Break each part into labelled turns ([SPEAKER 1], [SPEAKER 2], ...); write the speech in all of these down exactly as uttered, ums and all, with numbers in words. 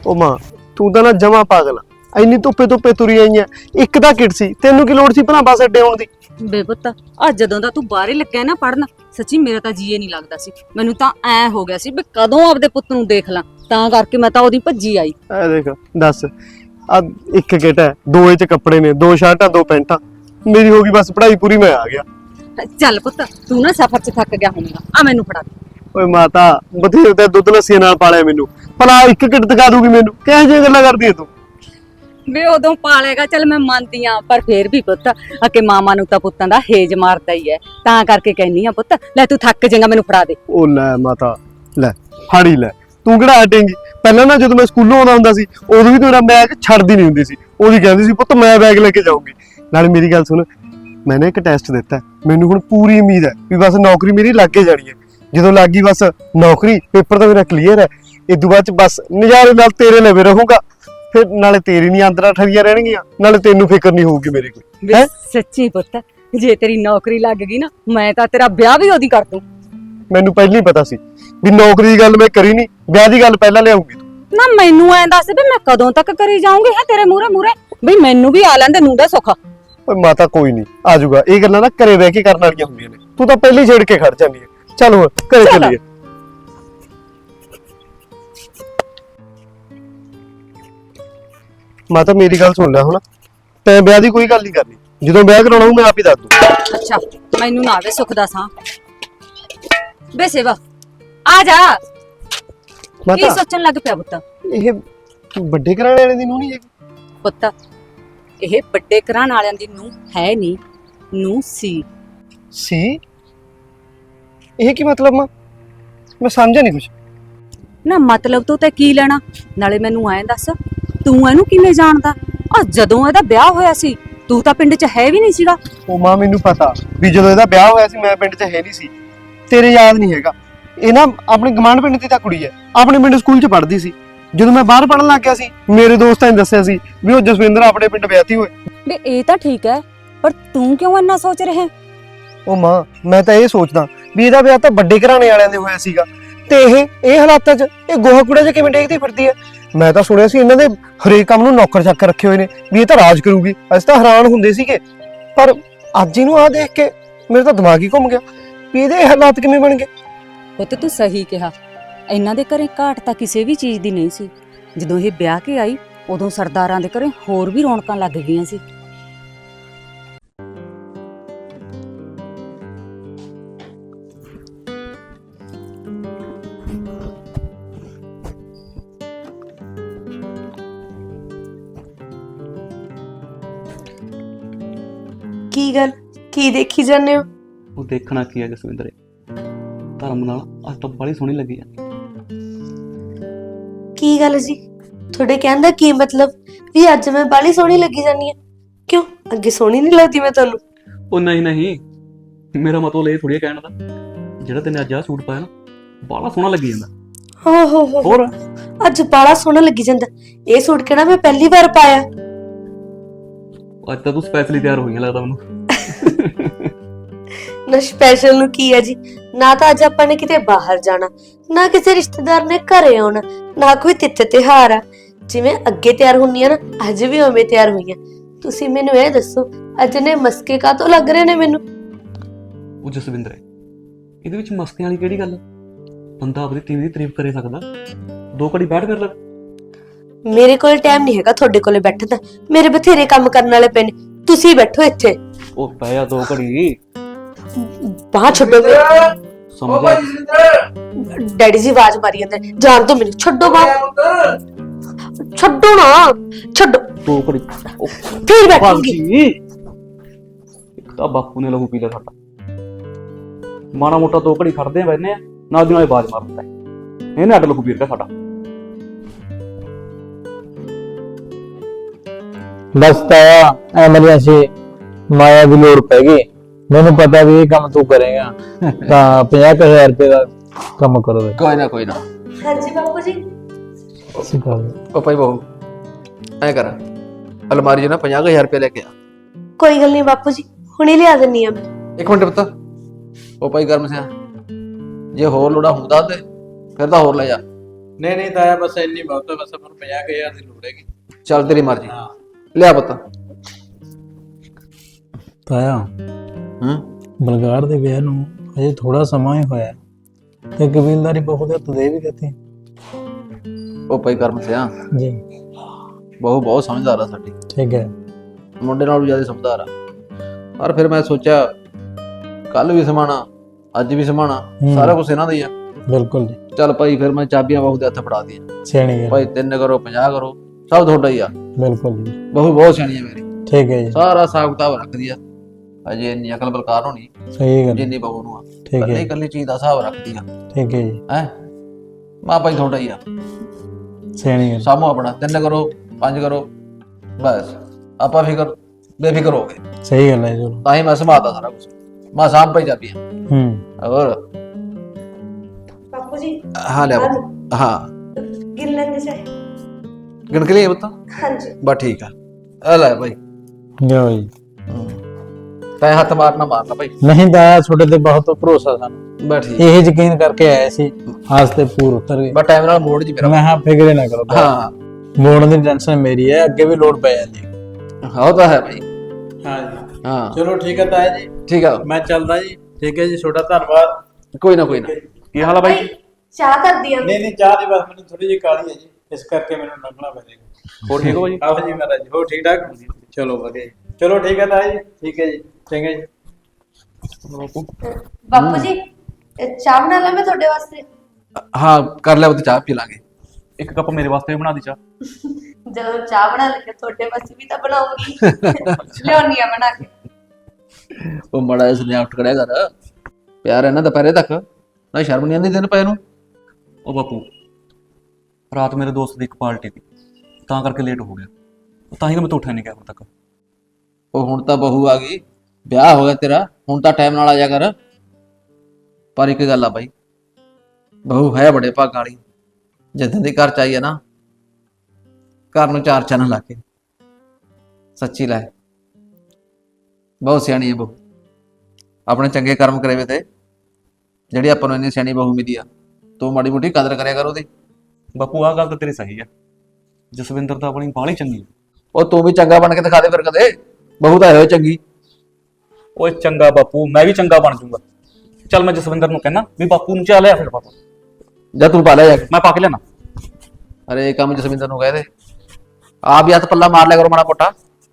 [SPEAKER 1] ਉਹ ਮਾਂ ਤੂੰ ਤਾਂ ਨਾ ਜਮਾ ਪਾਗਲ ਆ। ਇੰਨੀ ਧੁੱਪੇ ਧੁੱਪੇ ਤੁਰੀ ਆਈ ਐ। ਇੱਕ ਤਾਂ ਕਿਟ ਸੀ, ਤੈਨੂੰ ਕੀ ਲੋੜ ਸੀ ਭਲਾ ਬੱਸ ਅੱਡੇ ਆਉਣ ਦੀ?
[SPEAKER 2] ਬੇ ਪੁੱਤ ਆ ਜਦੋਂ ਦਾ ਤੂੰ ਬਾਹਰੇ ਲੱਗਿਆ ਨਾ ਪੜਨ, ਸੱਚੀ ਮੇਰਾ ਤਾਂ ਜੀਏ ਨਹੀਂ ਲੱਗਦਾ ਸੀ। ਮੈਨੂੰ ਤਾਂ ਐ ਹੋ ਗਿਆ ਸੀ ਵੀ ਕਦੋਂ ਆਪਦੇ ਪੁੱਤ ਨੂੰ ਦੇਖ ਲਾਂ, ਤਾਂ ਕਰਕੇ ਮੈਂ ਤਾਂ ਉਹਦੀ ਭੱਜੀ ਆਈ।
[SPEAKER 1] ਐ ਦੇਖ ਦੱਸ, ਆ ਇੱਕ ਕਿਟ ਹੈ, ਦੋ ਇਹ ਚ ਕੱਪੜੇ ਨੇ, ਦੋ ਸ਼ਰਟਾਂ ਦੋ ਪੈਂਟਾਂ, ਮੇਰੀ ਹੋ ਗਈ ਬਸ ਪੜ੍ਹਾਈ ਪੂਰੀ, ਮੈਂ ਆ ਗਿਆ।
[SPEAKER 2] ਚੱਲ ਪੁੱਤ ਤੂੰ ਨਾ ਸਫ਼ਰ 'ਚ ਥੱਕ ਗਿਆ ਹੋਵੇਂਗਾ, ਆ ਮੈਨੂੰ ਫੜਾ ਦੇ।
[SPEAKER 1] ਓਏ ਮਾਤਾ ਬਥੇਰੇ ਤੇ ਦੁੱਧ ਲੱਸੀ ਨਾਲ ਪਾਲਿਆ ਮੈਨੂੰ, ਭਲਾ ਇੱਕ ਕਿਟ ਦਿਖਾ ਦੂਗੀ ਮੈਨੂੰ? ਕਿਹੋ ਜਿਹੀਆਂ ਗੱਲਾਂ ਕਰਦੀ ਐ ਤੂੰ?
[SPEAKER 2] ਵੇ ਉਦੋਂ ਪਾਲੇਗਾ, ਚੱਲ ਮੈਂ ਮੰਨਦੀ ਆ, ਪਰ ਫੇਰ ਵੀ ਪੁੱਤ ਅਕੇ ਮਾਮਾ ਨੂੰ ਤਾਂ ਪੁੱਤਾਂ ਦਾ ਹੇਜ ਮਾਰਦਾ ਹੀ ਐ, ਤਾਂ ਕਰਕੇ ਕਹਿੰਨੀ ਆ ਪੁੱਤ ਲੈ ਤੂੰ ਥੱਕ ਜਾਏਗਾ ਮੈਨੂੰ ਫੜਾ ਦੇ।
[SPEAKER 1] ਉਹ ਲੈ ਮਾਤਾ ਲੈ ਫਾੜੀ ਲੈ, ਤੂੰ ਕਿਹੜਾ ਹਟੇਂਗੀ? ਪਹਿਲਾਂ ਨਾ ਜਦੋਂ ਮੈਂ ਸਕੂਲੋਂ ਆਉਂਦਾ ਹੁੰਦਾ ਸੀ ਉਦੋਂ ਵੀ ਤੇਰਾ ਬੈਗ ਛੱਡਦੀ ਨਹੀਂ ਹੁੰਦੀ ਸੀ, ਉਹਦੀ ਕਹਿੰਦੀ ਸੀ ਪੁੱਤ ਮੈਂ ਬੈਗ ਲੈ ਕੇ ਜਾਊਂਗੀ। ਨਾਲੇ ਮੇਰੀ ਗੱਲ ਸੁਣ, ਮੈਨੇ ਇੱਕ ਟੈਸਟ ਦਿੱਤਾ, ਮੈਨੂੰ ਹੁਣ ਪੂਰੀ ਉਮੀਦ ਹੈ ਵੀ ਬਸ ਨੌਕਰੀ ਮੇਰੀ ਲੱਗ ਕੇ ਜਾਣੀ ਹੈ। ਜਦੋਂ ਲੱਗ ਗਈ ਬਸ ਨੌਕਰੀ, ਪੇਪਰ ਤਾਂ ਮੇਰਾ ਕਲੀਅਰ ਹੈ, ਇਸ ਤੋਂ ਬਾਅਦ ਚ ਬਸ ਨਜ਼ਾਰੇ ਨਾਲ ਤੇਰੇ ਲਵੇ ਰਹੂੰਗਾ, ਫਿਰ ਨਾਲੇ ਤੇਰੀ ਨਹੀਂ ਆਂਦਰਾਂ ਠਰੀਆਂ ਰਹਿਣਗੀਆਂ, ਨਾਲੇ ਤੈਨੂੰ ਫਿਕਰ ਨਹੀਂ ਹੋਊਗੀ ਮੇਰੇ ਕੋਈ।
[SPEAKER 2] ਹੈ ਸੱਚੀ ਪੁੱਤ, ਜੇ ਤੇਰੀ ਨੌਕਰੀ ਲੱਗ ਗਈ ਨਾ ਮੈਂ ਤਾਂ ਤੇਰਾ ਵਿਆਹ ਵੀ ਉਹਦੀ ਕਰ ਦੂੰ।
[SPEAKER 1] ਮੈਨੂੰ ਪਹਿਲਾਂ ਹੀ ਪਤਾ ਸੀ ਵੀ ਨੌਕਰੀ ਦੀ ਗੱਲ ਮੈਂ ਕਰੀ ਨਹੀਂ, ਵਿਆਹ ਦੀ ਗੱਲ ਪਹਿਲਾਂ ਲਿਆਉਂਗੀ ਤੂੰ।
[SPEAKER 2] ਨਾ ਮੈਨੂੰ ਐਂ ਦੱਸ ਵੀ ਮੈਂ ਕਦੋਂ ਤੱਕ ਕਰੀ ਜਾਊਂਗੀ ਹੈ ਤੇਰੇ ਮੂਹਰੇ ਮੂਹਰੇ, ਬਈ ਮੈਨੂੰ ਵੀ ਆ ਲੈਂਦੇ ਨੂੰ ਦਾ ਸੁੱਖ।
[SPEAKER 1] ਓਏ ਮਾਤਾ ਕੋਈ ਨਹੀਂ ਆ ਜਾਊਗਾ, ਇਹ ਗੱਲਾਂ ਨਾ ਘਰੇ ਬਹਿ ਕੇ ਕਰਨ ਵਾਲੀਆਂ ਹੁੰਦੀਆਂ ਨੇ, ਤੂੰ ਤਾਂ ਪਹਿਲਾਂ ਹੀ ਛੇੜ ਕੇ ਖੜ ਜਾਂਦੀ ਹੈ। ਚੱਲ ਹੁਣ ਘਰੇ ਚੱਲੀਏ। ਮਾਤਾ ਮੇਰੀ ਗੱਲ ਸੁਣ ਲੈ, ਹੁਣ ਤੈਂ ਵਿਆਹ ਦੀ ਕੋਈ ਗੱਲ ਨਹੀਂ ਕਰਨੀ, ਜਦੋਂ ਵਿਆਹ ਕਰਾਉਣਾ ਉਹ ਮੈਂ ਆਪ ਹੀ ਦੱਸ ਦੂੰ।
[SPEAKER 2] ਅੱਛਾ ਮੈਨੂੰ ਨਾ ਆਵੇ ਸੁੱਖ ਦਾ ਸਾਂ। ਬੇ ਸੇਵਾ ਆ ਜਾ, ਕੀ
[SPEAKER 1] ਮਾਤਾ
[SPEAKER 2] ਸੋਚਣ ਲੱਗ ਪਿਆ ਪੁੱਤ?
[SPEAKER 1] ਇਹ ਵੱਡੇ ਘਰਾਣੇ ਵਾਲੇ ਦੀ ਨੂੰ ਨਹੀਂ ਹੈਗੀ
[SPEAKER 2] ਪੁੱਤ, ਇਹ ਵੱਡੇ ਘਰਾਂ ਵਾਲਿਆਂ ਦੀ ਨੂੰ ਹੈ ਨਹੀਂ, ਨੂੰ ਸੀ।
[SPEAKER 1] ਸੀ? ਇਹ ਕੀ ਮਤਲਬ? ਮਾਂ ਮੈਂ ਸਮਝਿਆ ਨਹੀਂ ਕੁਛ।
[SPEAKER 2] ਨਾ ਮਤਲਬ ਤੋਂ ਤੇ ਕੀ ਲੈਣਾ, ਨਾਲੇ ਮੈਨੂੰ ਐਂ ਦੱਸ ਤੂੰ ਇਹਨੂੰ ਕਿਵੇਂ ਜਾਣਦਾ? ਆ ਜਦੋਂ ਇਹਦਾ ਵਿਆਹ ਹੋਇਆ ਸੀ ਤੂੰ ਤਾਂ ਪਿੰਡ 'ਚ ਹੈ ਵੀ ਨਹੀਂ ਸੀਗਾ।
[SPEAKER 1] ਉਹ ਮਾਂ ਮੈਨੂੰ ਪਤਾ ਵੀ ਜਦੋਂ ਇਹਦਾ ਵਿਆਹ ਹੋਇਆ ਸੀ ਮੈਂ ਪਿੰਡ 'ਚ ਹੈ ਨਹੀਂ ਸੀ, ਤੇਰੇ ਯਾਦ ਨਹੀਂ ਹੈਗਾ। ਇਹ ਨਾ ਆਪਣੇ ਗਮਾਂਡ ਪਿੰਡ ਦੀ ਤਾਂ ਕੁੜੀ ਹੈ, ਆਪਣੇ ਪਿੰਡ ਸਕੂਲ 'ਚ ਪੜ੍ਹਦੀ ਸੀ। ਜਦੋਂ ਮੈਂ ਬਾਹਰ ਪੜ੍ਹਨ ਲੱਗ ਗਿਆ ਸੀ ਮੇਰੇ ਦੋਸਤਾਂ ਨੇ ਦੱਸਿਆ ਸੀ ਵੀ ਉਹ ਜਸਵਿੰਦਰ ਆਪਣੇ ਪਿੰਡ ਵਿਆਹਤੀ ਹੋਏ।
[SPEAKER 2] ਵੀ ਇਹ ਤਾਂ ਠੀਕ ਹੈ, ਪਰ ਤੂੰ ਕਿਉਂ ਇੰਨਾ ਸੋਚ ਰਿਹਾ?
[SPEAKER 1] ਉਹ ਮਾਂ ਮੈਂ ਤਾਂ ਇਹ ਸੋਚਦਾ ਵੀ ਇਹਦਾ ਵਿਆਹ ਤਾਂ ਵੱਡੇ ਘਰਾਣੇ ਵਾਲਿਆਂ ਦੇ ਹੋਇਆ ਸੀਗਾ, ਤੇ ਇਹ ਇਹ ਹਾਲਾਤਾਂ 'ਚ ਇਹ ਗੋਹਾ ਕੂੜਾ ਜਿਹਾ ਕਿਵੇਂ ਡੇਗਦੀ ਫਿਰਦੀ ਹੈ? ਮੈਂ ਤਾਂ ਸੁਣਿਆ ਸੀ ਇਹਨਾਂ ਦੇ ਹਰੇਕ ਕੰਮ ਨੂੰ ਨੌਕਰ ਚਾਕਰ ਰੱਖੇ ਹੋਏ ਨੇ ਵੀ ਇਹ ਤਾਂ ਰਾਜ ਕਰੂਗੀ। ਅਸੀਂ ਤਾਂ ਹੈਰਾਨ ਹੁੰਦੇ ਸੀਗੇ, ਪਰ ਅੱਜ ਇਹਨੂੰ ਆ ਦੇਖ ਕੇ ਮੇਰੇ ਤਾਂ ਦਿਮਾਗ ਹੀ ਘੁੰਮ ਗਿਆ ਵੀ ਇਹਦੇ ਹਾਲਾਤ ਕਿਵੇਂ ਬਣ ਗਏ।
[SPEAKER 2] ਪੁੱਤ ਤੂੰ ਸਹੀ ਕਿਹਾ, ਇਹਨਾਂ ਦੇ ਘਰੇ ਘਾਟ ਤਾਂ ਕਿਸੇ ਵੀ ਚੀਜ਼ ਦੀ ਨਹੀਂ ਸੀ। ਜਦੋਂ ਇਹ ਵਿਆਹ ਕੇ ਆਈ ਉਦੋਂ ਸਰਦਾਰਾਂ ਦੇ ਘਰੇ ਹੋਰ ਵੀ ਰੌਣਕਾਂ ਲੱਗ ਗਈਆਂ ਸੀ।
[SPEAKER 3] ਕੀ ਗੱਲ, ਕੀ ਦੇਖੀ ਜਾਂਦੇ ਹੋ?
[SPEAKER 4] ਉਹ ਦੇਖਣਾ ਕੀ ਹੈ ਜਸਵਿੰਦਰੇ, ਧਰਮ ਨਾਲ ਅੱਜ ਤਾਂ ਬੜੀ ਸੋਹਣੀ ਲੱਗੀ ਆ।
[SPEAKER 3] ਕੀ ਗੱਲ ਜੀ, ਤੁਹਾਡੇ ਕਹਿਣ ਦਾ ਕੀ ਮਤਲਬ ਵੀ ਅੱਜ ਮੈਂ ਬਾਲੀ ਸੋਹਣੀ ਲੱਗੀ ਜਾਂਦੀ ਆ? ਕਿਉਂ, ਅੱਗੇ ਸੋਹਣੀ ਨਹੀਂ ਲੱਗਦੀ ਮੈਂ ਤੁਹਾਨੂੰ?
[SPEAKER 4] ਉਹ ਨਹੀਂ ਨਹੀਂ, ਮੇਰਾ ਮਤਲਬ ਇਹ ਥੋੜੀ ਕਹਿਣ ਦਾ, ਜਿਹੜਾ ਤੈਨੇ ਅੱਜ ਆ ਸੂਟ ਪਾਇਆ ਨਾ ਬਾਲਾ ਸੋਹਣਾ ਲੱਗੀ ਜਾਂਦਾ।
[SPEAKER 3] ਹੋ ਹੋ ਹੋ
[SPEAKER 4] ਹੋਰ
[SPEAKER 3] ਅੱਜ ਬਾਲਾ ਸੋਹਣਾ ਲੱਗੀ ਜਾਂਦਾ। ਇਹ ਸੂਟ ਕਿਹੜਾ ਮੈਂ ਪਹਿਲੀ ਵਾਰ ਪਾਇਆ।
[SPEAKER 4] ਅੱਜ ਤਾਂ ਤੂੰ ਸਪੈਸ਼ਲੀ ਤਿਆਰ ਹੋਈ ਲੱਗਦਾ ਮੈਨੂੰ।
[SPEAKER 3] ਨਾ ਸਪੈਸ਼ਲ ਨੂੰ ਕੀ ਹੈ ਜੀ, ਨਾ ਤਾਂ ਅੱਜ ਆਪਾਂ ਨੇ ਕਿਤੇ ਬਾਹਰ ਜਾਣਾ, ਨਾ ਕਿਸੇ ਰਿਸ਼ਤੇਦਾਰ ਨੇ ਘਰੇ ਆਉਣਾ, ਨਾ ਕੋਈ ਤਿੱਥ ਤਿਉਹਾਰ ਆ। ਜਿਵੇਂ ਅੱਗੇ ਤਿਆਰ ਹੁੰਨੀ ਆ ਨਾ, ਅੱਜ ਵੀ ਉਵੇਂ ਤਿਆਰ ਹੋਈ ਆ। ਤੁਸੀਂ ਮੈਨੂੰ ਇਹ ਦੱਸੋ ਅੱਜ ਨੇ ਮਸਕੇ ਕਾਹਤੋਂ ਲੱਗ ਰਹੇ ਨੇ ਮੈਨੂੰ?
[SPEAKER 4] ਉਹ ਜਸਵਿੰਦਰੇ, ਇਹਦੇ ਵਿੱਚ ਮਸਤੀਆਂ ਵਾਲੀ ਕਿਹੜੀ ਗੱਲ? ਬੰਦਾ ਆਪਣੀ ਟੀਮ ਦੀ ਤਾਰੀਫ ਕਰੇ ਸਕਦਾ, ਦੋ ਘੜੀ ਬੈਠ ਫਿਰ ਲੱਗ।
[SPEAKER 3] ਮੇਰੇ ਕੋਲ ਟਾਈਮ ਨਹੀਂ ਹੈਗਾ ਤੁਹਾਡੇ ਕੋਲੇ ਬੈਠਣ ਦਾ, ਮੇਰੇ ਬਥੇਰੇ ਕੰਮ ਕਰਨ ਵਾਲੇ ਪਏ ਨੇ। ਤੁਸੀਂ ਬੈਠੋ ਇੱਥੇ।
[SPEAKER 4] ਉਹ ਪੈ ਜਾ ਦੋ ਘੜੀ,
[SPEAKER 3] ਬਾਹਰ ਛੱਡੋ ਮੇਰੀ।
[SPEAKER 4] ਸਮਝਿਆ?
[SPEAKER 3] ਡੈਡੀ ਜੀ ਆਵਾਜ਼ ਮਾਰੀ ਜਾਂਦੇ, ਜਾਣ ਦੋ ਮੈਨੂੰ, ਛੱਡੋ ਬਾਹਰ, ਛੱਡੋ ਨਾ, ਛੱਡੋ।
[SPEAKER 4] ਦੋ ਘੜੀ
[SPEAKER 3] ਫਿਰ ਬੈਠੂਗੀ।
[SPEAKER 4] ਇੱਕ ਤਾਂ ਬਾਪੂ ਨੇ ਲਹੂ ਪੀ ਲਿਆ ਸਾਡਾ, ਮਾੜਾ ਮੋਟਾ ਦੋ ਘੜੀ ਖੜਦੇ ਆ ਬੈਠਨੇ ਆ, ਨਾਲ ਦੀ ਨਾਲ ਆਵਾਜ਼ ਮਾਰ ਦਿੰਦਾ ਇਹਨੇ, ਅੱਡ ਲਹੂ ਪੀ ਰਿਹਾ ਸਾਡਾ।
[SPEAKER 5] बस ताया एमरजेंसी माया की लोड़ पैगी, मैनू पता भी ये काम तू करेगा, तो पचास हजार रुपए का काम करो।
[SPEAKER 6] कोई ना कोई ना।
[SPEAKER 3] हाँ जी बापू जी।
[SPEAKER 6] ओ भाई बहू ऐ कर, अलमारी जो ना पचास हजार रुपया लेके आ।
[SPEAKER 3] कोई गल नहीं बापू जी, हुणे लिया देनी है मैं।
[SPEAKER 6] एक मिनट पुत्त, ओ भाई गर्म से जे होर लोड़ा हुंदा ते फिर तां होर ले जा,
[SPEAKER 7] ਨਹੀਂ ਨਹੀਂ ਤਾਇਆ ਬਸ ਇੰਨੀ ਬਹੁਤ ਹੈ, ਬਸ ਆਪਾਂ ਨੂੰ ਪੰਜਾਹ ਹਜ਼ਾਰ ਦੀ ਲੋੜ ਹੈਗੀ।
[SPEAKER 6] ਚੱਲ ਤੇਰੀ ਮਰਜ਼ੀ,
[SPEAKER 7] ਹਾਂ
[SPEAKER 6] ਲਿਆ ਪੁੱਤ।
[SPEAKER 5] ਤਾਇਆ
[SPEAKER 6] ਹੂੰ
[SPEAKER 5] ਬਲਕਾਰ ਦੇ ਵਿਆਹ ਨੂੰ ਅਜੇ ਥੋੜਾ ਸਮਾਂ ਹੀ ਹੋਇਆ ਤੇ ਕਬੀਲਦਾਰੀ ਬਹੁਤ ਹੱਥ ਦੇ ਵੀ ਦਿੱਤੀ
[SPEAKER 6] ਉਹ ਭਾਈ ਕਰਮ ਸਿਆ
[SPEAKER 5] ਜੀ।
[SPEAKER 6] ਬਹੂ ਬਹੁਤ ਸਮਝਦਾਰ ਆ ਸਾਡੀ,
[SPEAKER 5] ਠੀਕ ਹੈ।
[SPEAKER 6] ਮੁੰਡੇ ਨਾਲੋਂ ਜ਼ਿਆਦਾ ਸਮਝਦਾਰ ਆ। ਪਰ ਫਿਰ ਮੈਂ ਸੋਚਿਆ ਕੱਲ ਵੀ ਸਮਾਣਾ, ਅੱਜ ਵੀ ਸਮਾਣਾ,
[SPEAKER 5] ਹੂੰ।
[SPEAKER 6] ਸਾਰਾ ਕੁਝ ਇਹਨਾਂ ਦਾ ਹੀ ਆ।
[SPEAKER 5] ਬਿਲਕੁਲ ਜੀ,
[SPEAKER 6] ਚੱਲ ਭਾਈ ਫਿਰ ਮੈਂ ਚਾਬੀਆਂ ਬਹੂ ਦੇ ਹੱਥ ਫੜਾ ਦੀਆਂ।
[SPEAKER 5] ਸਿਆਣੀ ਗੱਲ।
[SPEAKER 6] ਭਾਈ ਤਿੰਨ ਕਰੋ ਪੰਜਾਹ ਕਰੋ, ਸਭ ਤੁਹਾਡਾ ਹੀ ਆ।
[SPEAKER 5] ਬਿਲਕੁਲ ਜੀ,
[SPEAKER 6] ਬਹੂ ਬਹੁਤ ਸਿਆਣੀ ਆ ਮੇਰੀ,
[SPEAKER 5] ਠੀਕ ਹੈ ਜੀ,
[SPEAKER 6] ਸਾਰਾ ਹਿਸਾਬ ਕਿਤਾਬ ਰੱਖਦੀ ਆ। ਅਜੇ ਇੰਨੀ ਅਕਲ ਬਲਕਾਰ ਹੋਣੀ
[SPEAKER 5] ਸਹੀ ਗੱਲ।
[SPEAKER 6] ਜਿੰਨੀ ਬਹੂ ਨੂੰ ਆ।
[SPEAKER 5] ਠੀਕ ਹੈ
[SPEAKER 6] ਕੱਲੀ ਕੱਲੀ ਚੀਜ਼ ਦਾ ਹਿਸਾਬ ਰੱਖਦੀ ਆ।
[SPEAKER 5] ਠੀਕ ਹੈ ਜੀ,
[SPEAKER 6] ਹੈ ਮਾਂ ਭਾਈ ਤੁਹਾਡਾ ਹੀ ਆ।
[SPEAKER 5] ਸਿਆਣੀ ਗੱਲ।
[SPEAKER 6] ਸਾਮੋ ਆਪਣਾ ਤਿੰਨ ਕਰੋ ਪੰਜ ਕਰੋ, ਬਸ ਆਪਾਂ ਫਿਕਰ ਬੇਫਿਕਰ ਹੋ ਗਏ।
[SPEAKER 5] ਸਹੀ ਗੱਲ ਹੈ ਜੀ।
[SPEAKER 6] ਤਾਂ ਹੀ ਮੈਂ ਸੰਭਾਲਦਾ ਸਾਰਾ ਕੁਝ, ਮੈਂ ਸਾਂਭ ਪਈ ਜਾਂਦੀ ਆ।
[SPEAKER 5] ਹੂੰ
[SPEAKER 6] ਹੋਰ
[SPEAKER 3] ਬਾਪੂ ਜੀ
[SPEAKER 6] ਹਾਂ ਲਿਆ ਪੁੱਤ। ਹਾਂ
[SPEAKER 3] ਗਿਣ ਲੈਂਦੇ ਚਾਹੇ।
[SPEAKER 6] ਗਿਣ ਕੇ ਲਈ ਪੁੱਤ,
[SPEAKER 3] ਹਾਂਜੀ
[SPEAKER 6] ਬਸ ਠੀਕ ਆ। ਆ ਲੈ ਭਾਈ,
[SPEAKER 5] ਜਾਓ ਜੀ।
[SPEAKER 6] ਤੈਂ ਹੱਥ ਮਾਰਨਾ ਮਾਰਨਾ ਭਾਈ।
[SPEAKER 5] ਨਹੀਂ ਤਾਇਆ ਤੁਹਾਡੇ ਤੇ ਬਹੁਤ ਭਰੋਸਾ ਸਾਨੂੰ,
[SPEAKER 6] ਬਸ ਠੀਕ,
[SPEAKER 5] ਇਹ ਯਕੀਨ ਕਰਕੇ ਆਏ ਸੀ, ਆਸ ਤੇ ਪੂਰ ਉਤਰ ਗਏ।
[SPEAKER 6] ਬਸ ਟਾਈਮ ਨਾਲ ਮੋੜ ਜੀ ਮੇਰਾ।
[SPEAKER 5] ਮੈਂ ਹਾਂ ਫਿਕਰ ਨਾ ਕਰੋ ਤਾਇਆ।
[SPEAKER 6] ਹਾਂ
[SPEAKER 5] ਮੋੜਨ ਦੀ ਟੈਨਸ਼ਨ ਮੇਰੀ ਹੈ, ਅੱਗੇ ਵੀ ਲੋੜ ਪੈ ਜਾਂਦੀ ਹੈ।
[SPEAKER 6] ਹਾਂ ਉਹ ਤਾਂ ਹੈ ਭਾਈ।
[SPEAKER 7] ਹਾਂ ਜੀ
[SPEAKER 6] ਹਾਂ
[SPEAKER 7] ਚਲੋ ਠੀਕ ਹੈ ਤਾਇਆ ਜੀ,
[SPEAKER 6] ਠੀਕ ਆ,
[SPEAKER 7] ਮੈਂ ਚੱਲਦਾ ਜੀ। ਠੀਕ ਹੈ ਜੀ, ਤੁਹਾਡਾ ਧੰਨਵਾਦ।
[SPEAKER 6] ਕੋਈ ਨਾ ਕੋਈ ਨਾ।
[SPEAKER 4] ਕੀ ਹਾਲ ਆ ਬਾਈ?
[SPEAKER 3] ਚਾਹ ਕਰਦੀ ਆ।
[SPEAKER 7] ਨਹੀਂ ਨਹੀਂ ਚਾਹ ਦੀ ਬਸ ਮੈਨੂੰ ਥੋੜੀ ਜਿਹੀ ਕਾਹਲੀ ਹੈ ਜੀ, ਇਸ ਕਰਕੇ ਮੈਨੂੰ ਲੰਘਣਾ ਪਵੇਗਾ।
[SPEAKER 4] ਹੋਰ ਠੀਕ ਹੋ ਬਾਈ?
[SPEAKER 7] ਆਹੋ ਜੀ ਮਹਾਰਾਜ ਜੀ, ਹੋਰ ਠੀਕ ਠਾਕ? ਚਲੋ ਵਧੀਆ ਜੀ। ਚਲੋ ਠੀਕ ਹੈ ਤਾਇਆ ਜੀ, ਠੀਕ ਹੈ ਜੀ, ਚੰਗਾ ਜੀ।
[SPEAKER 3] ਬਾਪੂ ਜੀ ਇਹ ਚਾਹ ਬਣਾ ਲਾਂ ਮੈਂ ਤੁਹਾਡੇ ਵਾਸਤੇ।
[SPEAKER 6] ਹਾਂ ਕਰ ਲਿਆ ਪੁੱਤ, ਚਾਹ ਪੀ ਲਾਂਗੇ।
[SPEAKER 4] ਇੱਕ ਕੱਪ ਮੇਰੇ ਵਾਸਤੇ ਵੀ ਬਣਾ ਦੀ ਚਾਹ।
[SPEAKER 3] ਜਦੋਂ ਚਾਹ ਬਣਾ ਲੱਗੇ ਤੁਹਾਡੇ ਵਾਸਤੇ ਵੀ ਤਾਂ ਬਣਾਉਂਗੀ। ਲਿਆਉਣੀ ਆ ਬਣਾ ਕੇ।
[SPEAKER 6] ਉਹ ਮੜਾ ਇਸ ਨੇ ਉੱਠ ਖੜਿਆ ਕਰ, ਪਿਆਰ ਹੈ ਨਾ ਦੁਪਹਿਰੇ ਤੱਕ, ਨਾ ਸ਼ਰਮ ਨਹੀਂ ਆਉਂਦੀ ਦਿਨ ਪਏ ਨੂੰ।
[SPEAKER 4] ਉਹ ਬਾਪੂ ਰਾਤ ਮੇਰੇ ਦੋਸਤ ਦੀ ਇੱਕ ਪਾਰਟੀ ਸੀ, ਤਾਂ ਕਰਕੇ ਲੇਟ ਹੋ ਗਿਆ, ਤਾਂ ਹੀ ਤਾਂ ਮੈਂ ਤਾਂ ਉੱਠਿਆ ਨਹੀਂ ਗਿਆ ਹੁਣ ਤੱਕ।
[SPEAKER 6] ਉਹ ਹੁਣ ਤਾਂ ਬਹੂ ਆ ਗਈ, ਵਿਆਹ ਹੋ ਗਿਆ ਤੇਰਾ, ਹੁਣ ਤਾਂ ਟਾਈਮ ਨਾਲ ਆ ਜਾ ਕਰ। ਪਰ ਇੱਕ ਗੱਲ ਆ ਬਾਈ, ਬਹੂ ਹੈ ਬੜੇ ਭਾਗਾਂ ਵਾਲੀ। ਜਿੱਦਾਂ ਦੀ ਘਰ ਚ ਆਈ ਹੈ ਨਾ, ਘਰ ਨੂੰ ਚਾਰ ਚੰਨ ਲਾ ਕੇ। ਸੱਚੀ ਲੈ, ਬਹੁਤ ਸਿਆਣੀ ਹੈ ਬਹੂ। ਆਪਣੇ ਚੰਗੇ ਕਰਮ ਕਰੇ ਵੇ ਤੇ ਜਿਹੜੀ ਆਪਾਂ ਨੂੰ ਇੰਨੀ ਸਿਆਣੀ ਬਹੂ ਮਿਲੀ ਆ। ਤੂੰ ਮਾੜੀ ਮੋਟੀ ਕਦਰ ਕਰਿਆ ਕਰ ਉਹਦੀ।
[SPEAKER 4] ਬਾਪੂ ਆਹ ਗੱਲ ਤਾਂ ਤੇਰੀ ਸਹੀ ਆ, ਜਸਵਿੰਦਰ ਤਾਂ ਆਪਣੀ ਬਾਹਲੀ ਚੰਗੀ ਆ।
[SPEAKER 6] ਉਹ ਤੂੰ ਵੀ ਚੰਗਾ ਬਣ ਕੇ ਦਿਖਾ ਦੇ ਫਿਰ ਕਦੇ, ਬਹੂ ਤਾਂ ਹੈ ਚੰਗੀ।
[SPEAKER 4] ਓਏ ਚੰਗਾ ਬਾਪੂ, ਮੈਂ ਵੀ ਚੰਗਾ ਬਣ ਜਾਊਂਗਾ। ਚੱਲ ਮੈਂ ਜਸਵਿੰਦਰ ਨੂੰ ਕਹਿਣਾ ਵੀ ਬਾਪੂ ਨੂੰ ਚਾਹ ਲਿਆ ਫਿਰ। ਬਾਪੂ
[SPEAKER 6] ਜਾ ਤੂੰ ਪਾ ਲੈ ਜਾ ਕੇ।
[SPEAKER 4] ਮੈਂ ਪਾ ਕੇ ਲਿਆਣਾ।
[SPEAKER 6] ਅਰੇ ਇਹ ਕੰਮ ਜਸਵਿੰਦਰ ਨੂੰ ਕਹਿ ਦੇ, ਆਪ ਵੀ ਹੱਥ ਪੱਲਾ ਮਾਰ ਲਿਆ ਕਰੋ ਮਾੜਾ ਮੋਟਾ।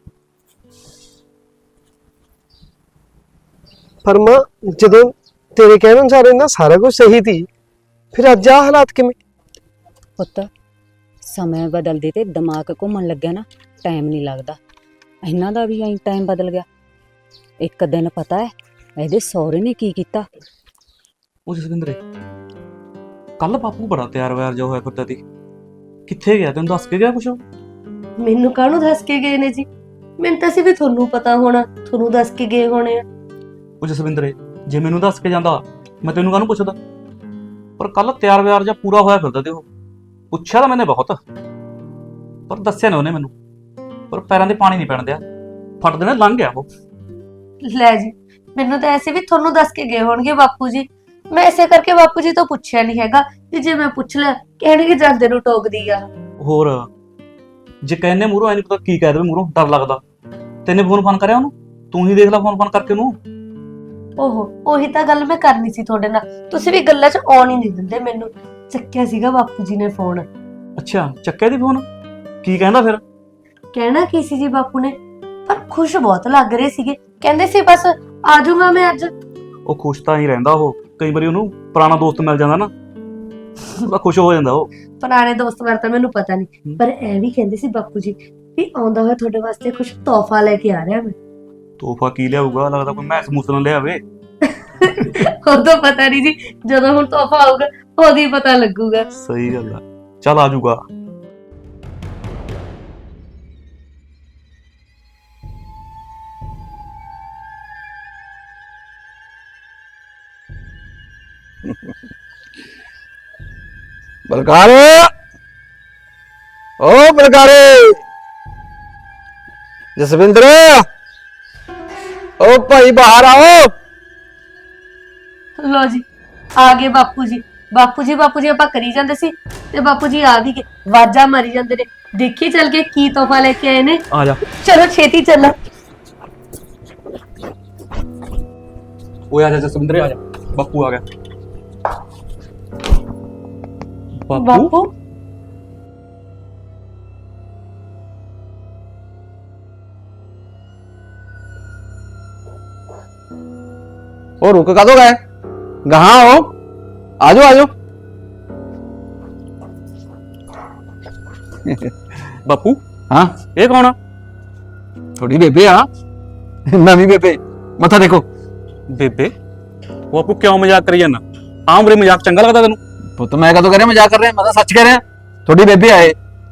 [SPEAKER 1] ਪਰ ਮਾਂ ਜਦੋਂ ਤੇਰੇ ਕਹਿਣ ਅਨੁਸਾਰ ਇਹਨਾਂ ਸਾਰਾ ਕੁਝ ਸਹੀ ਸੀ, ਫਿਰ ਅੱਜ ਆ ਹਾਲਾਤ ਕਿਵੇਂ?
[SPEAKER 2] ਪੁੱਤ ਸਮੇਂ ਬਦਲਦੇ ਤੇ ਦਿਮਾਗ ਘੁੰਮਣ ਲੱਗਿਆ ਨਾ, ਟਾਈਮ ਨਹੀਂ ਲੱਗਦਾ। ਇਹਨਾਂ ਦਾ ਵੀ ਐਂ ਟਾਈਮ ਬਦਲ ਗਿਆ। ਇੱਕ ਦਿਨ ਪਤਾ ਹੈ ਇਹਦੇ ਸਹੁਰੇ ਨੇ ਕੀ ਕੀਤਾ।
[SPEAKER 4] ਉਹ ਜਸਵਿੰਦਰੇ ਕੱਲ ਬਾਪੂ ਬੜਾ ਤਿਆਰ ਵਿਆਰ ਜਿਹਾ ਹੋਇਆ ਫਿਰਦਾ ਸੀ, ਕਿੱਥੇ ਗਿਆ? ਤੈਨੂੰ ਦੱਸ ਕੇ ਗਿਆ ਕੁਛ?
[SPEAKER 3] ਮੈਨੂੰ ਕਾਹਨੂੰ ਦੱਸ ਕੇ ਗਏ ਨੇ ਜੀ? ਮੈਨੂੰ ਤਾਂ ਸੀ ਵੀ ਤੁਹਾਨੂੰ ਪਤਾ ਹੋਣਾ, ਤੁਹਾਨੂੰ ਦੱਸ ਕੇ ਗਏ ਹੋਣੇ ਆ।
[SPEAKER 4] ਉਹ ਜਸਵਿੰਦਰੇ ਜੇ ਮੈਨੂੰ ਦੱਸ ਕੇ ਜਾਂਦਾ ਮੈਂ ਤੈਨੂੰ ਕਾਹਨੂੰ ਪੁੱਛਦਾ? ਪਰ ਕੱਲ ਤਿਆਰ ਵਿਆਰ ਜਿਹਾ ਪੂਰਾ ਹੋਇਆ ਫਿਰਦਾ ਤੇ ਉਹ ਪੁੱਛਿਆ ਤਾਂ ਮੈਨੇ ਬਹੁਤ, ਪਰ ਦੱਸਿਆ ਨਾ ਉਹਨੇ ਮੈਨੂੰ। ਪਰ ਪੈਰਾਂ ਦੇ ਪਾਣੀ ਨਹੀਂ ਪੈਣ ਦਿਆ, ਫਟ ਦੇਣਾ ਲੰਘ ਗਿਆ ਉਹ।
[SPEAKER 3] ਲੈ ਜੀ, ਮੈਨੂੰ ਤਾਂ ਐਸੇ ਵੀ ਤੁਹਾਨੂੰ ਦੱਸ ਕੇ ਗਏ ਹੋਣਗੇ ਬਾਪੂ ਜੀ। ਮੈਂ ਇਸੇ ਕਰਕੇ ਬਾਪੂ ਜੀ ਤੋਂ ਪੁੱਛਿਆ ਨਹੀਂ ਹੈਗਾ ਕਿ ਜੇ ਮੈਂ ਪੁੱਛ ਲਿਆ ਕਹਿਣਗੇ ਜਾਂਦੇ ਨੂੰ ਟੋਕਦੀ ਆ।
[SPEAKER 4] ਹੋਰ ਜੇ ਕਹਿੰਨੇ ਮੂਹਰੋਂ ਐ ਨਹੀਂ ਪਤਾ ਕੀ ਕਹਿ ਦੇਵੇ, ਮੂਹਰੋਂ ਡਰ ਲੱਗਦਾ। ਤੈਨੇ ਫੋਨ ਫਾਨ ਕਰਿਆ ਉਹਨੂੰ? ਤੂੰ ਹੀ ਦੇਖ ਲੈ ਫੋਨ ਫਾਨ ਕਰਕੇ ਉਹਨੂੰ।
[SPEAKER 3] ਓਹੋ, ਉਹੀ ਤਾਂ ਗੱਲ ਮੈਂ ਕਰਨੀ ਸੀ ਤੁਹਾਡੇ ਨਾਲ, ਤੁਸੀਂ ਵੀ ਗੱਲਾਂ 'ਚ ਆਉਣ ਹੀ ਨਹੀਂ ਦਿੰਦੇ ਮੈਨੂੰ। ਚੱਕਿਆ ਸੀਗਾ ਬਾਪੂ ਜੀ ਨੇ ਫੋਨ।
[SPEAKER 4] ਅੱਛਾ ਚੱਕਿਆ ਦੀ ਫੋਨ? ਕੀ ਕਹਿੰਦਾ ਫਿਰ?
[SPEAKER 3] ਕਹਿਣਾ ਕੀ ਸੀ ਜੀ ਬਾਪੂ ਨੇ, ਪਰ ਖੁਸ਼ ਬਹੁਤ ਲੱਗ ਰਹੇ ਸੀਗੇ। ਕਹਿੰਦੇ ਸੀ ਬਸ ਆ ਜਾਊਂਗਾ ਮੈਂ ਅੱਜ।
[SPEAKER 4] ਉਹ ਖੁਸ਼ ਤਾਂ ਹੀ ਰਹਿੰਦਾ ਉਹ, ਕਈ ਵਾਰੀ ਉਹਨੂੰ ਪੁਰਾਣਾ ਦੋਸਤ ਮਿਲ ਜਾਂਦਾ ਨਾ, ਉਹਦਾ ਖੁਸ਼ ਹੋ ਜਾਂਦਾ ਉਹ।
[SPEAKER 3] ਪੁਰਾਣੇ ਦੋਸਤ ਬਾਰੇ ਤਾਂ ਮੈਨੂੰ ਪਤਾ ਨਹੀਂ, ਪਰ ਐ ਵੀ ਕਹਿੰਦੇ ਸੀ ਬਾਪੂ ਜੀ ਵੀ ਆਉਂਦਾ ਹੋਇਆ ਤੁਹਾਡੇ ਵਾਸਤੇ ਕੁਝ ਤੋਹਫਾ ਲੈ ਕੇ ਆ ਰਿਹਾ ਮੈਂ।
[SPEAKER 4] ਤੋਹਫਾ ਕੀ ਲਿਆਊਗਾ? ਲੱਗਦਾ ਕੋਈ ਮੈਸ ਮੂਸ ਨਾ ਲਿਆਵੇ।
[SPEAKER 3] ਉਦੋਂ ਪਤਾ ਨਹੀਂ ਜੀ, ਜਦੋਂ ਹੁਣ ਤੋਹਫਾ ਆਊਗਾ ਉਦੋਂ ਹੀ ਪਤਾ ਲੱਗੂਗਾ।
[SPEAKER 4] ਸਹੀ ਗੱਲ ਆ, ਚੱਲ ਆ ਜਾਊਗਾ।
[SPEAKER 6] ਬਲਕਾਰ, ਓ ਬਲਕਾਰੇ, ਜਸਵਿੰਦਰ, ਓ ਭਾਈ ਬਾਹਰ ਆਓ।
[SPEAKER 3] ਲੋ ਜੀ ਆ ਗਏ ਬਾਪੂ ਜੀ। ਬਾਪੂ ਜੀ ਬਾਪੂ ਜੀ ਆਪਾਂ ਕਰੀ ਜਾਂਦੇ ਸੀ ਤੇ ਬਾਪੂ ਜੀ ਆ ਵੀ ਗਏ, ਵਾਜਾ ਮਾਰੀ ਜਾਂਦੇ ਨੇ। ਦੇਖੀ ਚੱਲ ਕੇ ਕੀ ਤੋਹਫਾ ਲੈ ਕੇ ਆਏ ਨੇ।
[SPEAKER 4] ਆ ਜਾ
[SPEAKER 3] ਚਲੋ ਛੇਤੀ ਚੱਲਾਂ।
[SPEAKER 4] ਓਏ ਆ ਜਾ ਜਸਵਿੰਦਰੇ, ਆ ਜਾ, ਬਾਪੂ ਆ ਗਿਆ। ਬਾਪੂ
[SPEAKER 3] ਬਾਪੂ
[SPEAKER 6] ਉਹ ਰੁਕ ਕਦੋਂ ਗਏ? ਗਾਹਾਂ ਆਓ, ਆਜੋ ਆਜੋ।
[SPEAKER 4] ਬਾਪੂ
[SPEAKER 6] ਹਾਂ
[SPEAKER 4] ਇਹ ਕੌਣ ਆ?
[SPEAKER 6] ਥੋੜੀ ਬੇਬੇ ਆ, ਨਵੀਂ ਬੇਬੇ। ਮੱਥਾ ਦੇਖੋ।
[SPEAKER 4] ਬੇਬੇ ਉਹ ਬਾਪੂ ਕਿਉਂ ਮਜ਼ਾਕ ਕਰੀ ਜਾਂਦਾ? ਆਹ ਉਮਰੇ ਮਜ਼ਾਕ ਚੰਗਾ ਲੱਗਦਾ ਤੈਨੂੰ?
[SPEAKER 6] ਪੁੱਤ ਮੈਂ ਕਦੋਂ ਕਹਿ ਰਿਹਾ ਮਜ਼ਾਕ ਕਰ ਰਿਹਾ? ਮੈਂ ਤਾਂ ਸੱਚ ਕਹਿ ਰਿਹਾ। ਥੋੜੀ ਬੇਬੇ ਆਏ।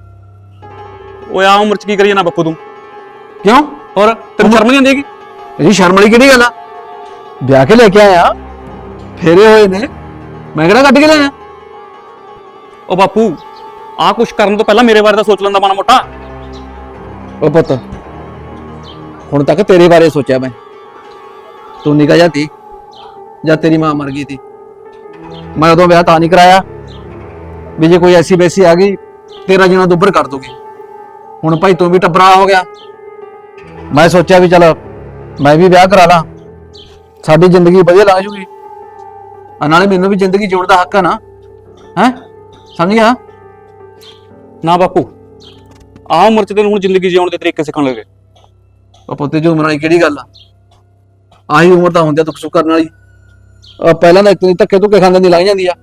[SPEAKER 4] ਓਏ ਆਹ ਉਮਰ ਚ ਕੀ ਕਰੀ ਜਾਂਦਾ ਬਾਪੂ ਤੂੰ?
[SPEAKER 6] ਕਿਉਂ?
[SPEAKER 4] ਹੋਰ ਤੈਨੂੰ ਸ਼ਰਮ ਨਹੀਂ ਆਉਂਦੀ ਹੈਗੀ?
[SPEAKER 6] ਇਹਦੀ ਸ਼ਰਮ ਵਾਲੀ ਕਿਹੜੀ ਗੱਲ ਆ? ਵਿਆਹ ਕੇ ਲੈ ਕੇ ਆਇਆ, ਫੇਰੇ ਹੋਏ ਨੇ, ਮੈਂ ਕਿਹੜਾ ਕੱਢ ਕੇ ਲਿਆਇਆ?
[SPEAKER 4] ਉਹ ਬਾਪੂ ਆਹ ਕੁਛ ਕਰਨ ਤੋਂ ਪਹਿਲਾਂ ਮੇਰੇ ਬਾਰੇ ਤਾਂ ਸੋਚ ਲੈਂਦਾ ਮਾੜਾ ਮੋਟਾ।
[SPEAKER 6] ਉਹ ਪੁੱਤ ਹੁਣ ਤੱਕ ਤੇਰੇ ਬਾਰੇ ਸੋਚਿਆ ਮੈਂ। ਤੂੰ ਨਿਕਾ ਜਾਂਦੀ ਜਦ ਤੇਰੀ ਮਾਂ ਮਰ ਗਈ ਸੀ। ਮੈਂ ਉਦੋਂ ਵਿਆਹ ਤਾਂ ਨਹੀਂ ਕਰਾਇਆ ਵੀ ਜੇ ਕੋਈ ਐਸੀ ਵੈਸੀ ਆ ਗਈ ਤੇਰਾ ਜੀਣਾ ਦੁੱਬਰ ਕਰ ਦੂਗੀ। ਹੁਣ ਭਾਈ ਤੂੰ ਵੀ ਟੱਬਰਾ ਹੋ ਗਿਆ। ਮੈਂ ਸੋਚਿਆ ਵੀ ਚਲ ਮੈਂ ਵੀ ਵਿਆਹ ਕਰਾ ਲਾਂ, ਸਾਡੀ ਜ਼ਿੰਦਗੀ ਵਧੀਆ ਲੰਘ ਜੂਗੀ। ਆ ਨਾਲੇ ਮੈਨੂੰ ਵੀ ਜ਼ਿੰਦਗੀ ਜਿਉਣ ਦਾ ਹੱਕ ਆ ਨਾ, ਹੈ ਸਮਝ ਗਿਆ?
[SPEAKER 4] ਨਾ ਬਾਪੂ ਆਹ ਉਮਰ ਚ ਤੈਨੂੰ ਹੁਣ ਜ਼ਿੰਦਗੀ ਜਿਉਣ ਦੇ ਤਰੀਕੇ ਸਿੱਖਣ ਲੱਗੇ।
[SPEAKER 6] ਉਹ ਪੁੱਤੇ ਜੋ ਉਮਰ ਵਾਲੀ ਕਿਹੜੀ ਗੱਲ ਆ? ਆਹੀ ਉਮਰ ਤਾਂ ਹੁੰਦੀ ਆ ਦੁੱਖ ਸੁੱਖ ਕਰਨ ਵਾਲੀ। ਆ ਪਹਿਲਾਂ ਤਾਂ ਇਤਨੀ ਧੱਕੇ ਧੁੱਕੇ ਖਾਂਦੇ ਦੀ ਲੰਘ ਜਾਂਦੀ ਆ।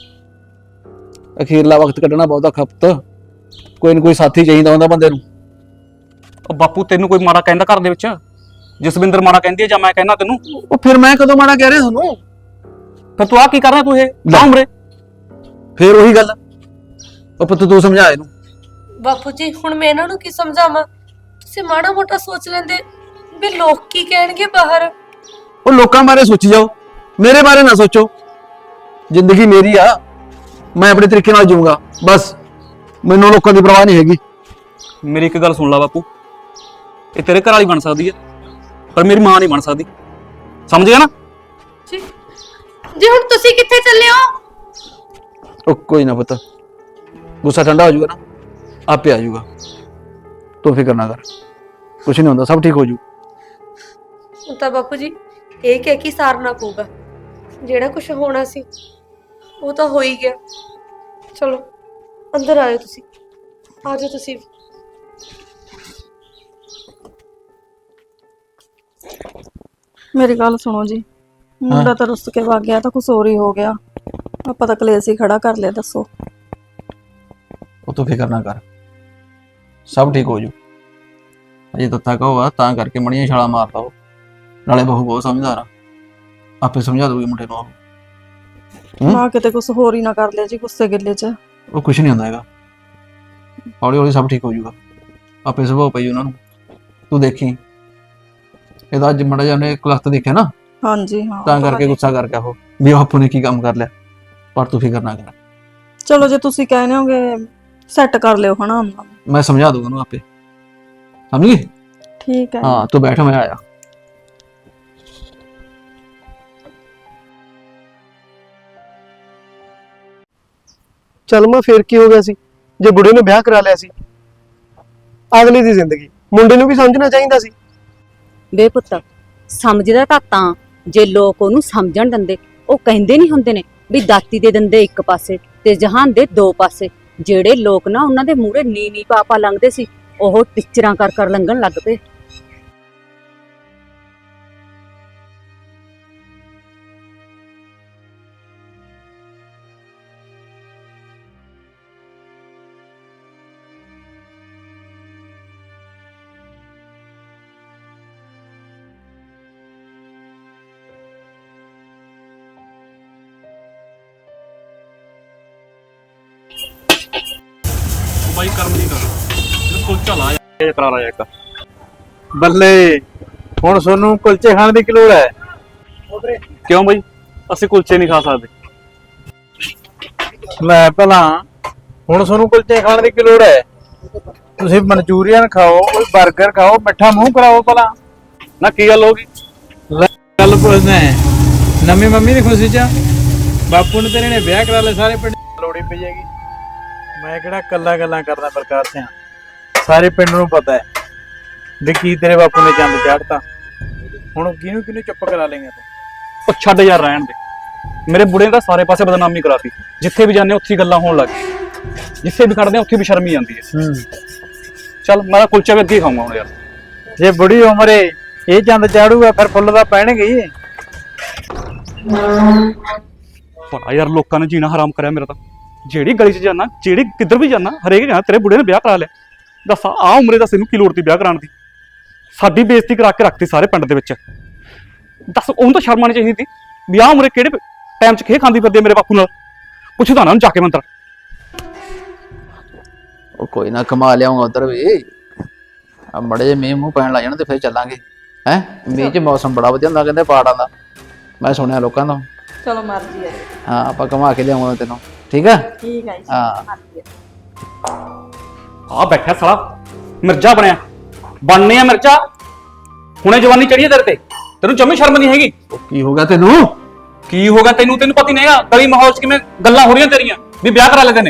[SPEAKER 6] ਅਖੀਰਲਾ ਵਕਤ ਕੱਢਣਾ ਬਹੁਤਾ ਖਪਤ। ਕੋਈ ਨਾ ਕੋਈ ਸਾਥੀ ਚਾਹੀਦਾ ਹੁੰਦਾ ਬੰਦੇ ਨੂੰ।
[SPEAKER 4] ਉਹ ਬਾਪੂ ਤੈਨੂੰ ਕੋਈ ਮਾੜਾ ਕਹਿੰਦਾ ਘਰ ਦੇ ਵਿੱਚ? ਜਸਵਿੰਦਰ ਮਾੜਾ ਕਹਿੰਦੀ ਹੈ ਜਾਂ ਮੈਂ ਕਹਿੰਦਾ ਤੈਨੂੰ?
[SPEAKER 6] ਉਹ ਫਿਰ ਮੈਂ ਕਦੋਂ ਮਾੜਾ ਕਹਿ ਰਿਹਾ ਤੁਹਾਨੂੰ?
[SPEAKER 4] ਫਿਰ ਤੂੰ ਆਹ ਕੀ ਕਰ ਰਿਹਾ ਤੂੰ? ਇਹ ਆਹ ਉਮਰੇ
[SPEAKER 6] ਫੇਰ ਉਹੀ ਗੱਲ। ਉਹ ਪੁੱਤ ਤੂੰ ਸਮਝਾ ਇਹਨੂੰ।
[SPEAKER 3] ਬਾਪੂ ਜੀ ਹੁਣ ਮੈਂ ਇਹਨਾਂ ਨੂੰ ਕੀ ਸਮਝਾਵਾਂ? ਤੁਸੀਂ ਮਾੜਾ ਮੋਟਾ ਸੋਚ ਲੈਂਦੇ ਵੀ ਲੋਕ ਕੀ ਕਹਿਣਗੇ ਬਾਹਰ।
[SPEAKER 6] ਉਹ ਲੋਕਾਂ ਬਾਰੇ ਸੋਚੀ ਜਾਓ, ਮੇਰੇ ਬਾਰੇ ਨਾ ਸੋਚੋ। ਜ਼ਿੰਦਗੀ ਮੇਰੀ ਆ, ਮੈਂ ਆਪਣੇ ਤਰੀਕੇ ਨਾਲ ਜੀਊਂਗਾ ਬਸ। ਮੈਨੂੰ ਲੋਕਾਂ ਦੀ ਪਰਵਾਹ ਨਹੀਂ ਹੈਗੀ।
[SPEAKER 4] ਮੇਰੀ ਇੱਕ ਗੱਲ ਸੁਣ ਲੈ ਬਾਪੂ, ਇਹ ਤੇਰੇ ਘਰ ਵਾਲੀ ਬਣ ਸਕਦੀ ਹੈ ਪਰ ਮੇਰੀ ਮਾਂ ਨਹੀਂ ਬਣ ਸਕਦੀ, ਸਮਝ ਗਿਆ ਨਾ?
[SPEAKER 3] ਜੀ ਜੀ ਹੁਣ ਤੁਸੀਂ ਕਿੱਥੇ ਚੱਲੇ ਹੋ?
[SPEAKER 6] ਉਹ ਕੋਈ ਨਾ ਪੁੱਤ, ਗੁੱਸਾ ਠੰਡਾ ਹੋ ਜਾਊਗਾ ਨਾ ਆਪੇ ਆ ਜਾਊਗਾ। ਤੂੰ ਫਿਕਰ ਨਾ ਕਰ, ਕੁਛ ਨਹੀਂ ਹੁੰਦਾ, ਸਭ ਠੀਕ ਹੋ ਜੂ।
[SPEAKER 3] ਹੁਣ ਤਾਂ ਬਾਪੂ ਜੀ ਇਹ ਕਹਿ ਕੇ ਸਾਰਨਾ ਪਊਗਾ, ਜਿਹੜਾ ਕੁਝ ਹੋਣਾ ਸੀ ਉਹ ਤਾਂ ਹੋ ਹੀ ਗਿਆ। ਚਲੋ ਅੰਦਰ ਆਇਓ, ਤੁਸੀਂ ਆ ਜਾਓ ਤੁਸੀਂ।
[SPEAKER 8] ਮੇਰੀ ਗੱਲ ਸੁਣੋ ਜੀ, ਮੁੰਡਾ ਤਾਂ ਰੁੱਸ ਕੇ ਵਗ ਗਿਆ ਤਾਂ ਕੁਛ ਹੋਰ ਹੀ ਹੋ ਗਿਆ। ਆਪਾਂ ਤਾਂ ਕਲੇਸ਼ ਹੀ ਖੜਾ ਕਰ ਲਿਆ। ਦੱਸੋ।
[SPEAKER 6] ਉਹ ਤੂੰ ਫਿਕਰ ਨਾ ਕਰ, ਸਭ ਠੀਕ ਹੋ ਜੂ। ਅਜੇ ਤੱਤਾ ਕਹੋਗਾ ਤਾਂ ਕਰਕੇ ਮਣੀਆਂ ਛਾਲਾ ਮਾਰਦਾ ਉਹ। ਨਾਲੇ ਬਹੂ ਬਹੁਤ ਸਮਝਦਾਰ ਆ, ਆਪੇ ਸਮਝਾ ਦੂਗੀ ਮੁੰਡੇ ਨੂੰ। ਉਹ
[SPEAKER 8] ਨਾ ਕਿਤੇ ਕੁਛ ਹੋਰ ਹੀ ਨਾ ਕਰ ਲਿਆ ਜੀ ਗੁੱਸੇ ਗਿੱਲੇ 'ਚ।
[SPEAKER 6] ਉਹ ਕੁਛ ਨਹੀਂ ਹੁੰਦਾ ਹੈਗਾ, ਹੌਲੀ ਹੌਲੀ ਸਭ ਠੀਕ ਹੋ ਜੂਗਾ। ਆਪੇ ਸੁਭਾਅ ਪਈ ਉਹਨਾਂ ਨੂੰ, ਤੂੰ ਦੇਖੀ। ਇਹਦਾ ਅੱਜ ਮੜਾ ਜਾਨੇ ਕਲਖਤ ਦੇਖਿਆ ਨਾ,
[SPEAKER 8] ਹਾਂਜੀ ਹਾਂ,
[SPEAKER 6] ਤਾਂ ਕਰਕੇ ਗੁੱਸਾ ਕਰ ਗਿਆ ਉਹ ਵੀ ਆਪੂ ਨੇ ਕੀ ਕੰਮ ਕਰ ਲਿਆ। ਪਰ ਤੂੰ ਫਿਕਰ ਨਾ ਕਰ,
[SPEAKER 8] ਚਲੋ ਜੇ ਤੁਸੀਂ ਕਹਿੰਦੇ ਹੋਗੇ ਸੈੱਟ ਕਰ ਲਿਓ ਹਨਾ ਉਹਨਾਂ ਨੂੰ।
[SPEAKER 6] ਮੈਂ ਸਮਝਾ ਦੂੰਗਾ ਉਹਨੂੰ ਆਪੇ, ਸਮਝ ਗਈ?
[SPEAKER 8] ਠੀਕ ਹੈ।
[SPEAKER 6] ਹਾਂ ਤੂੰ ਬੈਠ, ਮੈਂ ਆਇਆ।
[SPEAKER 1] ਚੱਲ ਮੈਂ ਫੇਰ ਕੀ ਹੋ ਗਿਆ ਸੀ ਜੇ ਬੁੜੇ ਨੇ ਵਿਆਹ ਕਰਾ ਲਿਆ ਸੀ? ਅਗਲੀ ਦੀ ਜ਼ਿੰਦਗੀ ਮੁੰਡੇ ਨੂੰ ਵੀ ਸਮਝਣਾ ਚਾਹੀਦਾ ਸੀ।
[SPEAKER 2] ਵੇ ਪੁੱਤ, ਸਮਝਦਾ ਤਾਂ ਤਾਂ ਜੇ ਲੋਕ ਉਹਨੂੰ ਸਮਝਣ ਦਿੰਦੇ। ਉਹ ਕਹਿੰਦੇ ਨਹੀਂ ਹੁੰਦੇ ਨੇ ਵੀ ਦਾਤੀ ਦੇ ਦੰਦੇ ਇੱਕ ਪਾਸੇ ਤੇ ਜਹਾਨ ਦੇ ਦੋ ਪਾਸੇ। ਜਿਹੜੇ ਲੋਕ ਨਾ ਉਹਨਾਂ ਦੇ ਮੂਹਰੇ ਨੀ ਨੀ ਪਾਪਾ ਲੰਘਦੇ ਸੀ, ਉਹ ਟਿਚਰਾਂ ਕਰ ਕਰ ਲੰਘਣ ਲੱਗ ਪਏ।
[SPEAKER 4] ਬਾਈ ਕਰਮ ਨਹੀਂ ਕਰ, ਕੁਲਚਾ ਲਾ ਜਾ ਕਰਾ ਲਾ ਇੱਕ।
[SPEAKER 7] ਬੱਲੇ, ਹੁਣ ਤੁਹਾਨੂੰ ਕੁਲਚੇ ਖਾਣ ਦੀ ਕੀ ਲੋੜ ਹੈ?
[SPEAKER 4] ਕਿਉਂ ਬਾਈ, ਅਸੀਂ ਕੁਲਚੇ ਨਹੀਂ ਖਾ ਸਕਦੇ?
[SPEAKER 7] ਲੈ ਭਲਾ ਹੁਣ ਤੁਹਾਨੂੰ ਕੁਲਚੇ ਖਾਣ ਦੀ ਕੀ ਲੋੜ ਹੈ? ਤੁਸੀਂ ਮਨਚੂਰੀਅਨ ਖਾਓ, ਕੋਈ 버ਗਰ ਖਾਓ, ਮਿੱਠਾ ਮੂੰਹ ਕਰਾਓ ਭਲਾ।
[SPEAKER 4] ਨਾ ਕੀ ਗੱਲ ਹੋ ਗਈ?
[SPEAKER 7] ਲੈ ਗੱਲ ਪੁੱਛਦਾ ਨਵੀਂ ਮੰਮੀ ਦੀ ਖੁਸ਼ੀ ਚ ਬਾਪੂ ਨੇ ਤੇਰੇ ਨੇ ਵਿਆਹ ਕਰਾ ਲਿਆ, ਸਾਰੇ ਪਿੰਡ ਲੋੜੀ ਪਈ ਹੈਗੀ। ਮੈਂ ਕਿਹੜਾ ਕੱਲਾ ਗੱਲਾਂ ਕਰਦਾ ਪ੍ਰਕਾਸ਼ ਸਿਆ, ਸਾਰੇ ਪਿੰਡ ਨੂੰ ਪਤਾ ਹੈ ਵੀ ਕੀ ਤੇਰੇ ਬਾਪੂ ਨੇ ਚੰਦ ਚਾੜਤਾ। ਹੁਣ ਕਿਹਨੂੰ ਕਿਹਨੂੰ ਚੁੱਪ ਕਰਾ ਲੇਗਾ ਤੂੰ?
[SPEAKER 4] ਉਹ ਛੱਡ ਯਾਰ, ਰਹਿਣ ਦੇ। ਮੇਰੇ ਬੁੜੇ ਨੇ ਤਾਂ ਸਾਰੇ ਪਾਸੇ ਬਦਨਾਮੀ ਕਰਾਤੀ। ਜਿੱਥੇ ਵੀ ਜਾਂਦੇ ਉੱਥੇ ਹੀ ਗੱਲਾਂ ਹੋਣ ਲੱਗ ਗਈ, ਜਿੱਥੇ ਵੀ ਖੜਦੇ ਉੱਥੇ ਵੀ ਸ਼ਰਮ ਹੀ ਆਉਂਦੀ ਹੈ।
[SPEAKER 7] ਹੂੰ,
[SPEAKER 4] ਚੱਲ ਮੈਂ ਤਾਂ ਕੁਲਚਾ ਵੀ ਅੱਗੇ ਹੀ ਖਾਊਂਗਾ ਹੁਣ ਯਾਰ।
[SPEAKER 7] ਜੇ ਬੁੜੀ ਉਮਰੇ ਇਹ ਚੰਦ ਚਾੜੂਗਾ ਫਿਰ ਫੁੱਲ ਤਾਂ ਪੈਣਗੇ ਹੀ।
[SPEAKER 4] ਬੜਾ ਯਾਰ ਲੋਕਾਂ ਨੇ ਜੀਣਾ ਹਰਾਮ ਕਰਿਆ ਮੇਰਾ ਤਾਂ। ਜਿਹੜੀ ਗਲੀ 'ਚ ਜਾਣਾ, ਜਿਹੜੀ ਕਿੱਧਰ ਵੀ ਜਾਣਾ, ਹਰੇਕ ਕਹਿੰਦਾ ਤੇਰੇ ਬੁੜੇ ਨੇ ਵਿਆਹ ਕਰਾ ਲਿਆ। ਦੱਸ ਆ ਉਮਰੇ ਦਾ ਤੈਨੂੰ ਕੀ ਲੋੜ ਤੀ ਵਿਆਹ ਕਰਾਉਣ ਦੀ? ਸਾਡੀ ਬੇਇੱਜ਼ਤੀ ਕਰਾ ਕੇ ਰੱਖਤੀ ਸਾਰੇ ਪਿੰਡ ਦੇ ਵਿੱਚ। ਦੱਸ ਉਹਨੂੰ ਤਾਂ ਸ਼ਰਮ ਆਉਣੀ ਚਾਹੀਦੀ ਸੀ ਵੀ ਆਹ ਉਮਰੇ ਕਿਹੜੇ ਟਾਈਮ 'ਚ ਖੇ ਖਾਂਦੀ ਫਿਰਦੀ ਆ ਮੇਰੇ ਬਾਪੂ ਨਾਲ। ਪੁੱਛਦਾ ਨਾ ਉਹਨੂੰ ਜਾ ਕੇ ਮੰਤਰ।
[SPEAKER 6] ਉਹ ਕੋਈ ਨਾ ਕਮਾ ਲਿਆਉਂਗਾ ਉਧਰ ਵੀ। ਆ ਮੜੇ ਜੇ ਮੀਂਹ ਮੂੰਹ ਪੈਣ ਲੱਗ ਜਾਣ ਤੇ ਫਿਰ ਚੱਲਾਂਗੇ। ਹੈ ਮੀਂਹ 'ਚ ਮੌਸਮ ਬੜਾ ਵਧੀਆ ਹੁੰਦਾ ਕਹਿੰਦੇ ਪਹਾੜਾਂ ਦਾ, ਮੈਂ ਸੁਣਿਆ ਲੋਕਾਂ ਤੋਂ।
[SPEAKER 8] ਚਲੋ ਮਰਜ਼ੀ ਹੈ।
[SPEAKER 6] ਹਾਂ ਆਪਾਂ ਕਮਾ ਕੇ ਲਿਆਉਂਗਾ ਤੈਨੂੰ, ਠੀਕ ਆ?
[SPEAKER 8] ਠੀਕ ਹੈ ਜੀ,
[SPEAKER 6] ਹਾਂ
[SPEAKER 8] ਮਰਜ਼ੀ ਹੈ।
[SPEAKER 4] ਆ ਬੈਠਾ ਸਾਲਾ ਮਿਰਜ਼ਾ ਬਣਿਆ। ਬਣਨੇ ਆ ਮਿਰਜ਼ਾ, ਹੁਣੇ ਜਵਾਨੀ ਚੜੀਏ ਤੇਰੇ ਤੇ। ਤੈਨੂੰ ਜੰਮੀ ਸ਼ਰਮ ਨਹੀਂ ਹੈਗੀ।
[SPEAKER 6] ਉਹ ਕੀ ਹੋ ਗਿਆ ਤੈਨੂੰ?
[SPEAKER 4] ਕੀ ਹੋਗਾ ਤੈਨੂੰ? ਤੈਨੂੰ ਪਤਾ ਹੀ ਨਹੀਂ ਹੈਗਾ ਗਲੀ ਮਾਹੌਲ 'ਚ ਕਿਵੇਂ ਗੱਲਾਂ ਹੋ ਰਹੀਆਂ ਤੇਰੀਆਂ ਵੀ ਵਿਆਹ ਕਰਾ ਲੈਂਦੇ ਨੇ।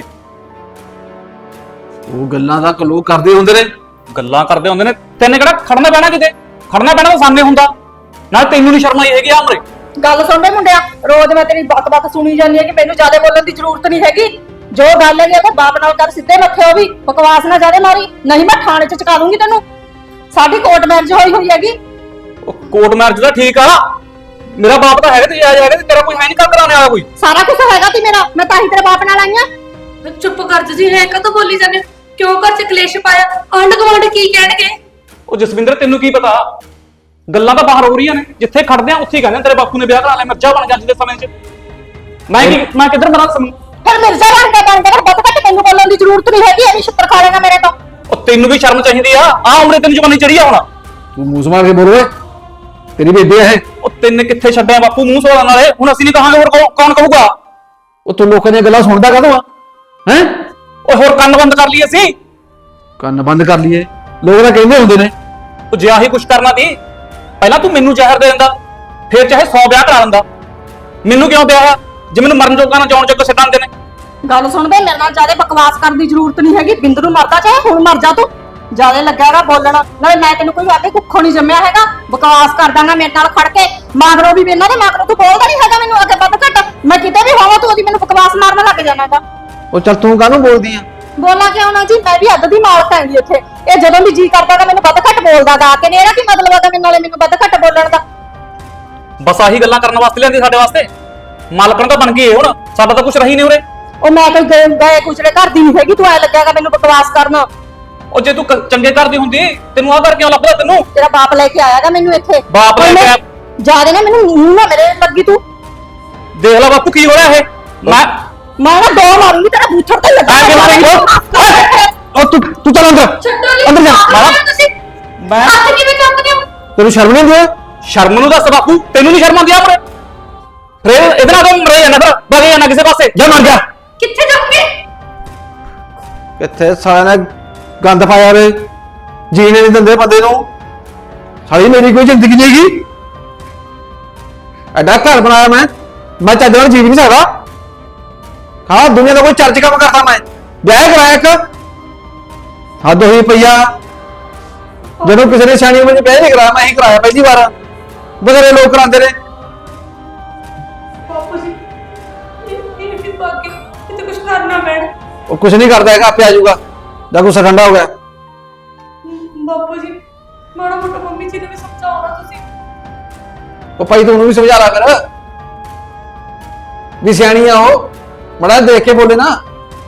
[SPEAKER 6] ਉਹ ਗੱਲਾਂ ਦਾ ਲੋਕ ਕਰਦੇ ਹੁੰਦੇ ਨੇ।
[SPEAKER 4] ਗੱਲਾਂ ਕਰਦੇ ਹੁੰਦੇ ਨੇ। ਤੈਨੇ ਕਿਹੜਾ ਖੜਨਾ ਪੈਣਾ ਕਿਤੇ? ਖੜਨਾ ਪੈਣਾ ਤਾਂ ਸਾਹਮਣੇ ਹੁੰਦਾ। ਨਾਲ ਤੈਨੂੰ ਨਹੀਂ ਸ਼ਰਮ ਆਈ ਹੈਗੀ ਆ ਉਮਰੇ?
[SPEAKER 8] ਗੱਲ ਸੁਣ ਬੇ ਮੁੰਡਿਆ, ਰੋਜ਼ ਮੈਂ ਤੇਰੀ ਬੱਤ-ਬੱਤ ਸੁਣੀ ਜਾਂਦੀ ਹੈ ਕਿ ਮੈਨੂੰ ਜ਼ਿਆਦਾ ਬੋਲਣ ਦੀ ਜ਼ਰੂਰਤ ਨਹੀਂ ਹੈਗੀ। ਜੋ ਗੱਲ ਹੈਗੀ ਉਹ ਬਾਪ ਨਾਲ ਕਰ, ਸਿੱਧੇ ਮੱਥੇ। ਉਹ ਵੀ ਬਕਵਾਸ ਨਾ ਜ਼ਿਆਦਾ ਮਾਰੀ, ਨਹੀਂ ਮੈਂ ਥਾਣੇ 'ਚ ਚੁਕਾ ਦੂੰਗੀ ਤੈਨੂੰ। ਸਾਡੀ ਕੋਰਟ ਮੈਰਿਜ ਹੋਈ ਹੋਈ ਹੈਗੀ।
[SPEAKER 4] ਉਹ ਕੋਰਟ ਮੈਰਿਜ ਦਾ ਠੀਕ ਆ, ਮੇਰਾ ਬਾਪ ਤਾਂ ਹੈਗਾ ਤੇ ਜਾਇਜ਼ ਹੈਗਾ ਤੇ ਤੇਰਾ ਕੋਈ ਹੈ ਨਹੀਂ ਕਰ ਕਰਾਉਣੇ ਵਾਲਾ ਕੋਈ।
[SPEAKER 8] ਸਾਰਾ ਕੁਝ ਹੈਗਾ ਤੀ ਮੇਰਾ, ਮੈਂ ਤਾਂ ਹੀ ਤੇਰੇ ਬਾਪ ਨਾਲ ਆਈ ਆਂ।
[SPEAKER 3] ਚੁੱਪ ਕਰ ਜੀ, ਹੈ ਕਦੋਂ ਬੋਲੀ ਜਾਂਦੇ ਹੋ? ਕਿਉਂ ਘਰ ਚ ਕਲੇਸ਼ ਪਾਇਆ? ਆਂਢ ਗੁਆਂਢ ਕੀ ਕਹਿਣਗੇ?
[SPEAKER 4] ਉਹ ਜਸਵਿੰਦਰ ਤੈਨੂੰ ਕੀ ਪਤਾ, ਗੱਲਾਂ ਤਾਂ ਬਾਹਰ ਹੋ ਰਹੀਆਂ ਨੇ। ਜਿੱਥੇ ਖੜਦੇ ਆ ਉੱਥੇ ਹੀ ਕਹਿੰਦੇ ਤੇਰੇ ਬਾਪੂ ਨੇ ਵਿਆਹ ਕਰਾ ਲਿਆ, ਮਿਰਜ਼ਾ ਬਣ ਗਿਆ ਅੱਜ ਦੇ ਸਮੇਂ 'ਚ। ਮੈਂ ਕੀ ਮੈਂ ਕਿੱਧਰ ਮਰਾਂ ਸਮੂਹ?
[SPEAKER 8] ਫਿਰ ਮਿਰਜ਼ਾ ਬਣ ਕੇ ਬਣ ਕੇ ਬੱਤ ਘੱਟ ਤੈਨੂੰ ਬੋਲਣ ਦੀ ਜ਼ਰੂਰਤ ਨਹੀਂ ਹੈਗੀ। ਐਵੇਂ ਛਿੱਤਰ ਖਾ ਲੈਣਾ ਮੇਰੇ ਤੋਂ।
[SPEAKER 4] ਉਹ ਤੈਨੂੰ ਵੀ ਸ਼ਰਮ ਚਾਹੀਦੀ ਆ। ਆ ਉਮਰੇ ਤੈਨੂੰ ਜਵਾਨੀ ਚੜੀ ਆ ਹੁਣ।
[SPEAKER 6] ਤੂੰ ਮੂੰਹ ਸੰਭਾਲ ਕੇ ਬੋਲ ਓਏ, ਤੇਰੀ ਬੇਬੇ ਹੈ।
[SPEAKER 4] ਉਹ ਤੈਨੇ ਕਿੱਥੇ ਛੱਡਿਆ ਬਾਪੂ ਮੂੰਹ ਸੋਲਾਂ ਨਾਲੇ? ਹੁਣ ਅਸੀਂ ਨਹੀਂ ਕਹਾਂਗੇ ਹੋਰ ਕੌਣ- ਕੌਣ ਕਹੂਗਾ?
[SPEAKER 6] ਉਹ ਤੂੰ ਲੋਕਾਂ ਦੀਆਂ ਗੱਲਾਂ ਸੁਣਦਾ ਕਾਹਤੋਂ ਆ? ਹੈ
[SPEAKER 4] ਓਏ ਹੋਰ ਕੰਨ ਬੰਦ ਕਰ ਲਈ ਅਸੀਂ।
[SPEAKER 6] ਕੰਨ ਬੰਦ ਕਰ ਲਈਏ? ਲੋਕ ਤਾਂ ਕਹਿੰਦੇ ਹੁੰਦੇ ਨੇ।
[SPEAKER 4] ਉਹ ਜੇ ਆਹੀ ਕੁਛ ਕਰਨਾ ਸੀ ਪਹਿਲਾਂ ਤੂੰ ਮੈਨੂੰ ਜ਼ਹਿਰ ਦੇ ਦਿੰਦਾ, ਫਿਰ ਚਾਹੇ ਸੌ ਵਿਆਹ ਕਰਾ ਦਿੰਦਾ। ਮੈਨੂੰ ਕਿਉਂ ਵਿਆਹ? ਜੇ ਮੈਨੂੰ ਮਰਨ ਜੋਗਾ ਨਾ ਜਾਣ ਜੋਗਾ ਛੱਡਾਂਦੇ ਨੇ।
[SPEAKER 8] ਗੱਲ ਸੁਣ ਬੇ, ਮੇਰੇ ਨਾਲ ਜ਼ਿਆਦਾ ਬਕਵਾਸ ਕਰਨ ਦੀ ਜ਼ਰੂਰਤ ਨਹੀਂ ਹੈਗੀ। ਬਿੰਦ ਨੂੰ ਮਰਦਾ ਚਾਹੇ ਹੁਣ ਮਰ ਜਾ ਤੂੰ। ਜ਼ਿਆਦਾ ਲੱਗਿਆਗਾ ਬੋਲਣ ਨਾਲੇ। ਮੈਂ ਤੈਨੂੰ ਕੋਈ ਆਦੇ ਕੁੱਖੋਂ ਨਹੀਂ ਜੰਮਿਆ ਹੈਗਾ। ਬਕਵਾਸ ਕਰ ਦਾਂਗਾ ਮੇਰੇ ਨਾਲ ਖੜ ਕੇ। ਮਾਗਰੋ ਵੀ ਇਹਨਾਂ ਦੇ ਮਾਗਰੋ ਤੂੰ ਬੋਲਦਾ ਨਹੀਂ ਹੈਗਾ ਮੈਨੂੰ ਅੱਗੇ ਵੱਧ ਘੱਟ। ਮੈਂ ਕਿਤੇ ਵੀ ਹੋਵਾਂ ਤੂੰ ਉਹਦੀ ਮੈਨੂੰ ਬਕਵਾਸ ਮਾਰਨ ਲੱਗ ਜਾਣਾਗਾ।
[SPEAKER 6] ਉਹ ਚੱਲ ਤੂੰ ਕਾਹਨੂੰ ਬੋਲਦੀ ਆ?
[SPEAKER 8] ਬੋਲਾਂ ਕਿਉਂ ਨਾ ਜੀ, ਮੈਂ ਵੀ ਅੱਧ ਦੀ ਮਾਲਕ ਹੈਗੀ ਇੱਥੇ। ਇਹ ਜਦੋਂ ਵੀ ਜੀ ਕਰਦਾਗਾ ਮੈਨੂੰ ਵੱਧ ਘੱਟ ਬੋਲਦਾਗਾ ਆ ਕੇ। ਨੇ ਇਹਦਾ ਕੀ ਮਤਲਬ ਹੈਗਾ ਮੈਨੂੰ ਨਾਲੇ ਮੈਨੂੰ ਵੱਧ ਘੱਟ ਬੋਲਣ ਦਾ?
[SPEAKER 4] ਬਸ ਆਹੀ ਗੱਲਾਂ ਕਰਨ ਵਾਸਤੇ ਲਿਆਂਦੀ ਸਾਡੇ ਵਾਸਤੇ। ਮਾਲਕਣ ਤਾਂ ਬਣ ਗਈ ਹੁਣ, ਸਾਡਾ ਤਾਂ ਕੁਝ ਰਹੀ ਨਹੀਂ ਉਰੇ।
[SPEAKER 8] ਉਹ ਮੈਂ ਕੋਈ ਗਏ ਗਏ ਕੁਚਲੇ ਘਰ ਦੀ ਨਹੀਂ ਹੈਗੀ। ਤੂੰ ਐ ਲੱਗਿਆਗਾ ਮੈਨੂੰ ਬਕਵਾਸ ਕਰਨਾ।
[SPEAKER 4] ਉਹ ਜੇ ਤੂੰ ਕ- ਚੰਗੇ ਕਰਦੀ ਹੁੰਦੀ ਤੈਨੂੰ ਆਹ ਕਰ ਕਿਉਂ ਲੱਭਦਾ? ਤੈਨੂੰ
[SPEAKER 8] ਤੇਰਾ ਬਾਪ ਲੈ ਕੇ ਆਇਆਗਾ ਮੈਨੂੰ ਇੱਥੇ।
[SPEAKER 4] ਬਾਪ ਲੈ ਕੇ ਆਇਆ?
[SPEAKER 8] ਜਿਆਦਾ ਨਾ ਮੈਨੂੰ ਮੂੰਹ ਨਾ ਮੇਰੇ ਲੱਗੀ ਤੂੰ।
[SPEAKER 4] ਦੇਖ ਲੈ ਬਾਪੂ ਕੀ ਹੋ ਰਿਹਾ ਇਹ। ਮੈਂ
[SPEAKER 8] ਮੈਂ ਨਾ ਦੋ ਮਾਰੂੰਗੀ ਤੇਰਾ ਬੂਥਰ ਤੇ ਲੱਗਾ।
[SPEAKER 4] ਆ ਕੇ ਮਾਰੇਂਗੀ?
[SPEAKER 6] ਉਹ ਤੂੰ ਤੂੰ ਚੱਲ ਅੰਦਰ।
[SPEAKER 3] ਛੱਡੋ ਨਹੀਂ।
[SPEAKER 6] ਅੰਦਰ ਜਾ।
[SPEAKER 3] ਮਾਰਾ ਤੁਸੀਂ
[SPEAKER 4] ਮੈਂ
[SPEAKER 3] ਹੱਥ ਕਿਵੇਂ ਕੰਬਦੇ ਹੋ?
[SPEAKER 6] ਤੈਨੂੰ ਸ਼ਰਮ ਨਹੀਂ ਆਉਂਦੀ?
[SPEAKER 4] ਸ਼ਰਮ ਨੂੰ ਦੱਸ ਬਾਪੂ, ਤੈਨੂੰ ਨਹੀਂ ਸ਼ਰਮ ਆਉਂਦੀ ਆਪਣੇ? ਫਿਰ ਇਹਦੇ ਨਾਲ ਤਾਂ ਮਰੇ ਜਾਣਾ, ਫਿਰ ਬਗੇ ਜਾਣਾ ਕਿਸੇ ਪਾਸੇ।
[SPEAKER 6] ਜਾ ਮਰ ਜਾ।
[SPEAKER 3] ਕਿੱਥੇ ਜਾਓਗੇ?
[SPEAKER 6] ਕਿੱਥੇ ਸਾਲਿਆਂ ਨੇ ਗੰਦ ਪਾਇਆ ਰੇ, ਜੀਣੇ ਨਹੀਂ ਦਿੰਦੇ ਬੰਦੇ ਨੂੰ। ਸਾਲੀ ਮੇਰੀ ਕੋਈ ਜ਼ਿੰਦਗੀ ਨਹੀਂ ਹੈਗੀ। ਐਡਾ ਘਰ ਬਣਾਇਆ ਮੈਂ, ਮੈਂ ਚੱਜ ਨਾਲ ਜੀ ਵੀ ਨਹੀਂ ਸਕਦਾ। ਹਾਂ ਦੁਨੀਆ ਦਾ ਕੋਈ ਚਰਚ ਕੰਮ ਕਰਦਾ ਮੈਂ। ਵਿਆਹ ਕਰਾਇਆ ਇੱਕ, ਹੱਦ ਹੋਈ ਪਈਆ। ਜਦੋਂ ਕਿਸੇ ਨੇ ਸਿਆਣੀ ਉਮਰ ਚ ਵਿਆਹ ਨਹੀਂ ਕਰਾਇਆ, ਮੈਂ ਹੀ ਕਰਾਇਆ ਪਹਿਲੀ ਵਾਰ। ਬਥੇਰੇ ਲੋਕ ਕਰਾਉਂਦੇ ਨੇ।
[SPEAKER 3] ਬਾਪੂ ਜੀ ਇਹ ਇਹ ਵੀ ਬਾਕੀ ਇਹ ਤਾਂ ਕੁਝ ਕਰਨਾ ਪੈਣਾ।
[SPEAKER 6] ਉਹ ਕੁਛ ਨਹੀਂ ਕਰਦਾ ਹੈਗਾ, ਆਪੇ ਆ ਜਾਊਗਾ। ਜਾਂ ਗੁੱਸਾ ਠੰਡਾ ਹੋ ਗਿਆ।
[SPEAKER 3] ਬਾਪੂ ਜੀ ਮਾੜਾ ਮੋਟਾ ਮੰਮੀ ਜੀ ਨੂੰ ਵੀ ਸਮਝਾਓ ਨਾ ਤੁਸੀਂ।
[SPEAKER 6] ਉਹ ਭਾਈ ਤੂੰ ਉਹਨੂੰ ਵੀ ਸਮਝਾ ਲਾ ਕਰ ਵੀ ਸਿਆਣੀ ਆ ਉਹ। ਮੜਾ ਦੇਖ ਕੇ ਬੋਲੇ ਨਾ।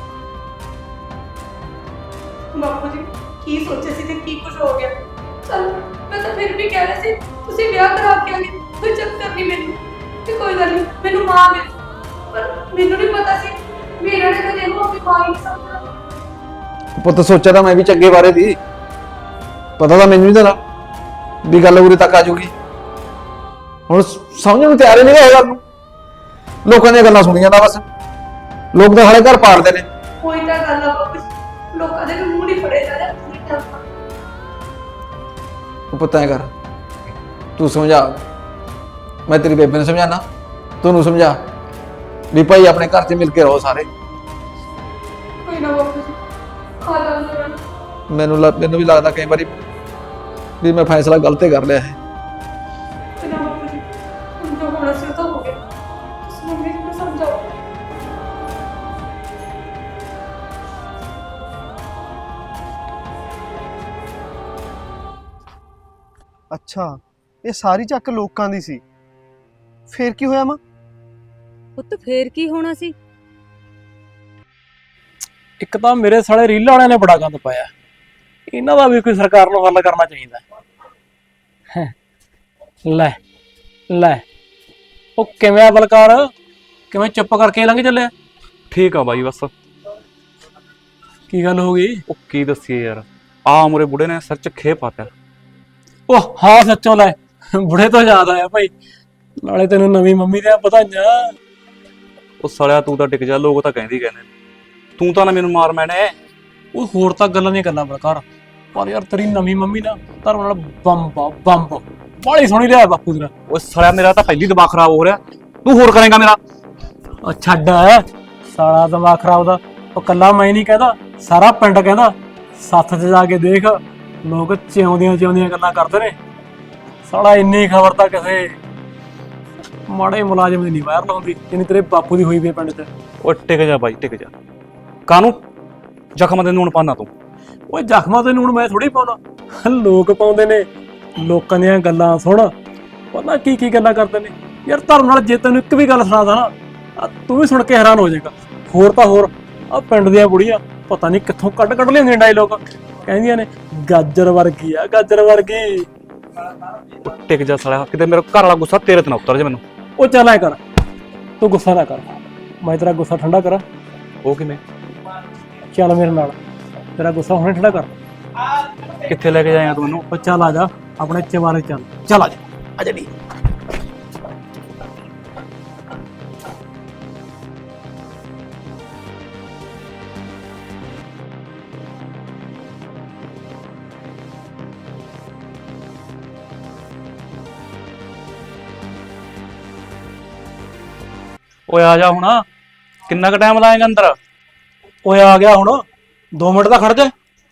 [SPEAKER 3] ਬਾਪੂ ਜੀ ਕੀ ਸੋਚਿਆ ਸੀ ਤੇ ਕੀ ਕੁਝ ਹੋ ਗਿਆ? ਚਲ ਮੈਂ ਤਾਂ ਫਿਰ ਵੀ ਕਹਿ ਰਹੀ ਸੀ ਤੁਸੀਂ ਵਿਆਹ ਕਰਾ ਕੇ ਆ ਗਏ, ਕੋਈ ਚੱਕਰ ਨਹੀਂ ਮੈਨੂੰ। ਤੇ ਕੋਈ ਗੱਲ ਨਹੀਂ, ਮੈਨੂੰ ਮਾਂ ਮਿਲ। ਪਰ ਮੈਨੂੰ ਨਹੀਂ ਪਤਾ ਸੀ ਮੇਰਾ ਨੇ ਕਦੇ ਇਹਨੂੰ ਆਪਣੀ ਮਾਂ ਹੀ ਨਹੀਂ ਸਮਝਣਾ।
[SPEAKER 6] ਪੁੱਤ ਸੋਚਿਆ ਤਾਂ ਮੈਂ ਵੀ ਚੰਗੇ ਬਾਰੇ ਦੀ, ਪਤਾ ਤਾਂ ਮੈਨੂੰ ਨਹੀਂ ਤੇਰਾ ਵੀ ਗੱਲ ਉਰੇ ਤੱਕ ਆ ਜੂਗੀ। ਹੁਣ ਸਮਝਣ ਨੂੰ ਤਿਆਰ ਹੀ ਨਹੀਂ ਇਹ ਗੱਲ ਨੂੰ। ਲੋਕਾਂ ਦੀਆਂ ਗੱਲਾਂ ਸੁਣੀ ਜਾਂਦਾ ਬਸ। ਲੋਕ ਤਾਂ ਹਾਲੇ ਘਰ ਪਾੜਦੇ ਨੇ।
[SPEAKER 3] ਕੋਈ ਤਾਂ ਗੱਲ ਆ ਬਾਪੂ ਜੀ, ਲੋਕਾਂ ਦੇ ਮੂੰਹ ਨਹੀਂ ਫੜੇ ਜਾ ਰਹੇ ਤੁਸੀਂ ਤਾਂ।
[SPEAKER 6] ਉਹ ਪੁੱਤ ਐ ਕਰ, ਤੂੰ ਸਮਝਾ। ਮੈਂ ਤੇਰੀ ਬੇਬੇ ਨੂੰ ਸਮਝਾਣਾ, ਤੂੰ ਨੂੰ ਸਮਝਾ ਵੀ ਭਾਈ ਆਪਣੇ ਘਰ 'ਚ ਮਿਲ ਕੇ ਰਹੋ ਸਾਰੇ।
[SPEAKER 3] ਕੋਈ
[SPEAKER 9] ਕੋਈ ਨਾ ਬਾਪੂ ਜੀ ਖਾ ਲਾਂਗੇ ਮੈਂ।
[SPEAKER 6] ਮੈਨੂੰ ਲੱਗ- ਮੈਨੂੰ ਵੀ ਲੱਗਦਾ ਕਈ ਵਾਰੀ ਵੀ ਮੈਂ ਫੈਸਲਾ ਗਲਤ ਹੀ ਕਰ ਲਿਆ ਹੈ।
[SPEAKER 9] ਤੇ ਨਾ ਬਾਪੂ ਜੀ ਹੁਣ ਜੋ ਹੋਣਾ ਸੀ ਉਹ ਤਾਂ ਹੋ ਗਿਆ। ਤੁਸੀਂ ਮੰਮੀ ਨੂੰ ਸਮਝਾਓ।
[SPEAKER 1] ਅੱਛਾ, ਇਹ ਸਾਰੀ ਚੱਕ ਲੋਕਾਂ ਦੀ ਸੀ। ਫੇਰ ਕੀ ਹੋਇਆ ਮਾਂ?
[SPEAKER 2] ਪੁੱਤ ਫੇਰ ਕੀ ਹੋਣਾ ਸੀ?
[SPEAKER 7] ਇੱਕ ਤਾਂ ਮੇਰੇ ਸਾਲੇ ਰੀਲਾਂ ਵਾਲਿਆਂ ਨੇ ਬੜਾ ਗੰਦ ਪਾਇਆ, ਇਹਨਾਂ ਦਾ ਵੀ ਕੋਈ ਸਰਕਾਰ ਨੂੰ ਹੱਲ ਕਰਨਾ ਚਾਹੀਦਾ ਹੈ। ਲੈ ਲੈ ਉਹ ਕਿਵੇਂ ਆ ਬਲਕਾਰ, ਕਿਵੇਂ ਚੁੱਪ ਕਰਕੇ ਲੰਘ ਚੱਲਿਆ?
[SPEAKER 4] ਠੀਕ ਆ ਬਾਈ, ਬਸ
[SPEAKER 7] ਕੀ ਗੱਲ ਹੋ ਗਈ?
[SPEAKER 4] ਉਹ ਕੀ ਦੱਸੀਏ ਯਾਰ, ਆ ਮੁਰੇ ਬੁੜੇ ਨੇ ਸਿਰ 'ਚ ਖੇ ਪਾਤਾ।
[SPEAKER 7] ਉਹ ਹਾਂ ਸੱਚੋਂ ਲੈ, ਬੁੜੇ ਤੋਂ ਯਾਦ ਆਇਆ ਭਾਈ, ਨਾਲੇ ਤੈਨੂੰ ਨਵੀਂ ਮੰਮੀ ਦੀਆਂ ਵਧਾਈਆਂ।
[SPEAKER 4] ਉਹ ਸੜਿਆ ਤੂੰ ਤਾਂ ਟਿਕ ਜਾ, ਲੋਕ ਤਾਂ ਕਹਿੰਦੇ ਹੀ ਕਹਿੰਦੇ ਨੇ। ਤੂੰ ਤਾਂ ਨਾ ਮੈਨੂੰ ਮਾਰ ਮੈਨੇ।
[SPEAKER 7] ਉਹ ਹੋਰ ਤਾਂ ਗੱਲਾਂ ਦੀਆਂ ਗੱਲਾਂ ਬਲਕਾਰ, ਪਰ ਯਾਰ ਤੇਰੀ ਨਵੀਂ ਮੰਮੀ ਨਾ ਧਰਮ ਨਾਲ ਬੰਬ ਆ, ਬੰਬ ਬਾਲੀ ਸੋਹਣੀ ਲਿਆ ਬਾਪੂ ਤੇਰਾ।
[SPEAKER 4] ਉਹ ਸੜਿਆ ਮੇਰਾ ਤਾਂ ਪਹਿਲੀ ਦਿਮਾਗ ਖਰਾਬ ਹੋ ਰਿਹਾ, ਤੂੰ ਹੋਰ ਕਰੇਗਾ ਮੇਰਾ।
[SPEAKER 7] ਉਹ ਛੱਡ ਸਾਲਾ ਦਿਮਾਗ ਖਰਾਬ ਦਾ, ਉਹ ਕੱਲਾ ਮੈਂ ਨਹੀਂ ਕਹਿੰਦਾ, ਸਾਰਾ ਪਿੰਡ ਕਹਿੰਦਾ। ਸੱਥ 'ਚ ਜਾ ਕੇ ਦੇਖ, ਲੋਕ ਜਿਉਂਦੀਆਂ ਜਿਉਂਦੀਆਂ ਗੱਲਾਂ ਕਰਦੇ ਨੇ। ਸਾਲਾ ਇੰਨੀ ਖਬਰ ਤਾਂ ਕਿਸੇ ਮਾੜੇ ਮੁਲਾਜ਼ਮ ਦੀ ਨਹੀਂ ਵਾਇਰਲ ਹੁੰਦੀ ਜਿੰਨੀ ਤੇਰੇ ਬਾਪੂ ਦੀ ਹੋਈ ਵੀ ਪਿੰਡ 'ਚ।
[SPEAKER 4] ਉਹ ਟਿਕ ਜਾ ਬਾਈ, ਟਿਕ ਜਾ। ਕਾਹਨੂੰ ਜ਼ਖਮਾਂ ਦੇ ਨੂਣ ਪਾਣਾ ਤੂੰ?
[SPEAKER 7] ਓਏ ਜ਼ਖਮਾਂ ਤੇ ਨੂਣ ਮੈਂ ਥੋੜੀ ਪਾਉਂਦਾ, ਲੋਕ ਪਾਉਂਦੇ ਨੇ। ਲੋਕਾਂ ਦੀਆਂ ਗੱਲਾਂ ਸੁਣ, ਪਤਾ ਕੀ ਕੀ ਗੱਲਾਂ ਕਰਦੇ ਨੇ ਯਾਰ। ਧਰਮ ਨਾਲ ਜੇ ਤੈਨੂੰ ਇੱਕ ਵੀ ਗੱਲ ਸੁਣਾਦਾ ਨਾ, ਆਹ ਤੂੰ ਵੀ ਸੁਣ ਕੇ ਹੈਰਾਨ ਹੋ ਜਾਏਗਾ। ਹੋਰ ਤਾਂ ਹੋਰ, ਆ ਪਿੰਡ ਦੀਆਂ ਬੁੜੀਆਂ ਪਤਾ ਨਹੀਂ ਕਿੱਥੋਂ ਕੱਢ ਕੱਢ ਲਿਆਉਂਦੀਆਂ ਡਾਇਲੋਗ, ਕਹਿੰਦੀਆਂ ਨੇ ਗਾਜਰ ਵਰਗੀ ਆ, ਗਾਜਰ ਵਰਗੀ।
[SPEAKER 4] ਉਹ ਟਿਕ ਜਾ ਸਾਲਿਆ, ਕਿਤੇ ਮੇਰਾ ਘਰ ਵਾਲਾ ਗੁੱਸਾ ਤੇਰੇ ਤੇ ਨਾ ਉਤਰ ਜਾ ਮੈਨੂੰ।
[SPEAKER 7] ਉਹ ਚੱਲ ਐ ਕਰ, ਤੂੰ ਗੁੱਸਾ ਨਾ ਕਰ, ਮੈਂ ਤੇਰਾ ਗੁੱਸਾ ਠੰਡਾ ਕਰਾਂ।
[SPEAKER 4] ਉਹ ਕਿਵੇਂ?
[SPEAKER 7] ਚੱਲ ਮੇਰੇ ਨਾਲ, ਤੇਰਾ ਗੁੱਸਾ ਹੁਣੇ ਠੰਡਾ ਕਰ।
[SPEAKER 4] ਕਿੱਥੇ ਲੈ ਕੇ ਜਾਏਗਾ ਤੂੰ ਮੈਨੂੰ?
[SPEAKER 7] ਉਹ ਚੱਲ ਆ ਜਾ ਆਪਣੇ ਚਵਾਰੇ, ਚੱਲ ਚੱਲ ਆ ਜਾ, ਆ ਜਾ ਨੀ।
[SPEAKER 4] ਓਏ ਆ ਜਾ ਹੁਣ, ਕਿੰਨਾ ਕੁ ਟਾਈਮ ਲਾਏਗਾ ਅੰਦਰ?
[SPEAKER 7] ਓਏ ਆ ਗਿਆ ਹੁਣ, ਦੋ ਮਿੰਟ ਤਾਂ ਖੜ ਜਾ।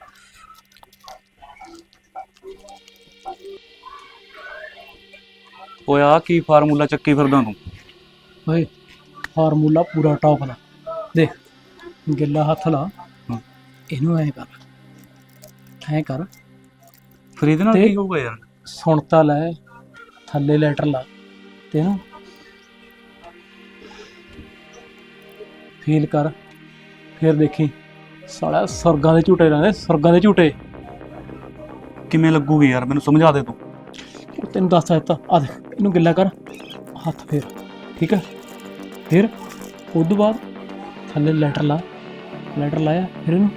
[SPEAKER 4] ਓਏ ਆ ਕੀ ਫਾਰਮੂਲਾ ਚੱਕੀ ਫਿਰਦਾ ਤੂੰ?
[SPEAKER 7] ਓਏ ਫਾਰਮੂਲਾ ਪੂਰਾ ਟੌਪ ਦਾ, ਦੇਖ ਗਿੱਲਾ ਹੱਥ ਲਾ, ਇਹਨੂੰ ਐ ਕਰ, ਐ ਕਰ।
[SPEAKER 4] ਫਿਰ ਇਹਦੇ ਨਾਲ
[SPEAKER 7] ਤੇ-
[SPEAKER 4] ਕੀ ਹੋਊਗਾ ਯਾਰ?
[SPEAKER 7] ਸੁਣ ਤਾਂ ਲੈ, ਥੱਲੇ ਲੈਟਰ ਲਾ ਤੇ ਇਹਨੂੰ ਫੀਲ ਕਰ, ਫਿਰ ਦੇਖੀ ਸਾਲਾ ਸੁਰਗਾਂ ਦੇ ਝੂਟੇ ਲਾਉਂਦੇ, ਸੁਰਗਾਂ ਦੇ ਝੂਟੇ।
[SPEAKER 4] ਕਿਵੇਂ ਲੱਗੂਗੀ ਯਾਰ, ਮੈਨੂੰ ਸਮਝਾ ਦੇ ਤੂੰ।
[SPEAKER 7] ਉਹ ਤੈਨੂੰ ਦੱਸ ਦਿੱਤਾ, ਆ ਦੇਖ ਇਹਨੂੰ ਗਿੱਲਾ ਕਰ, ਹੱਥ ਫੇਰ, ਠੀਕ ਹੈ। ਫਿਰ ਉਸ ਤੋਂ ਬਾਅਦ ਥੱਲੇ ਲੈਟਰ ਲਾ, ਲੈਟਰ ਲਾਇਆ, ਫਿਰ ਇਹਨੂੰ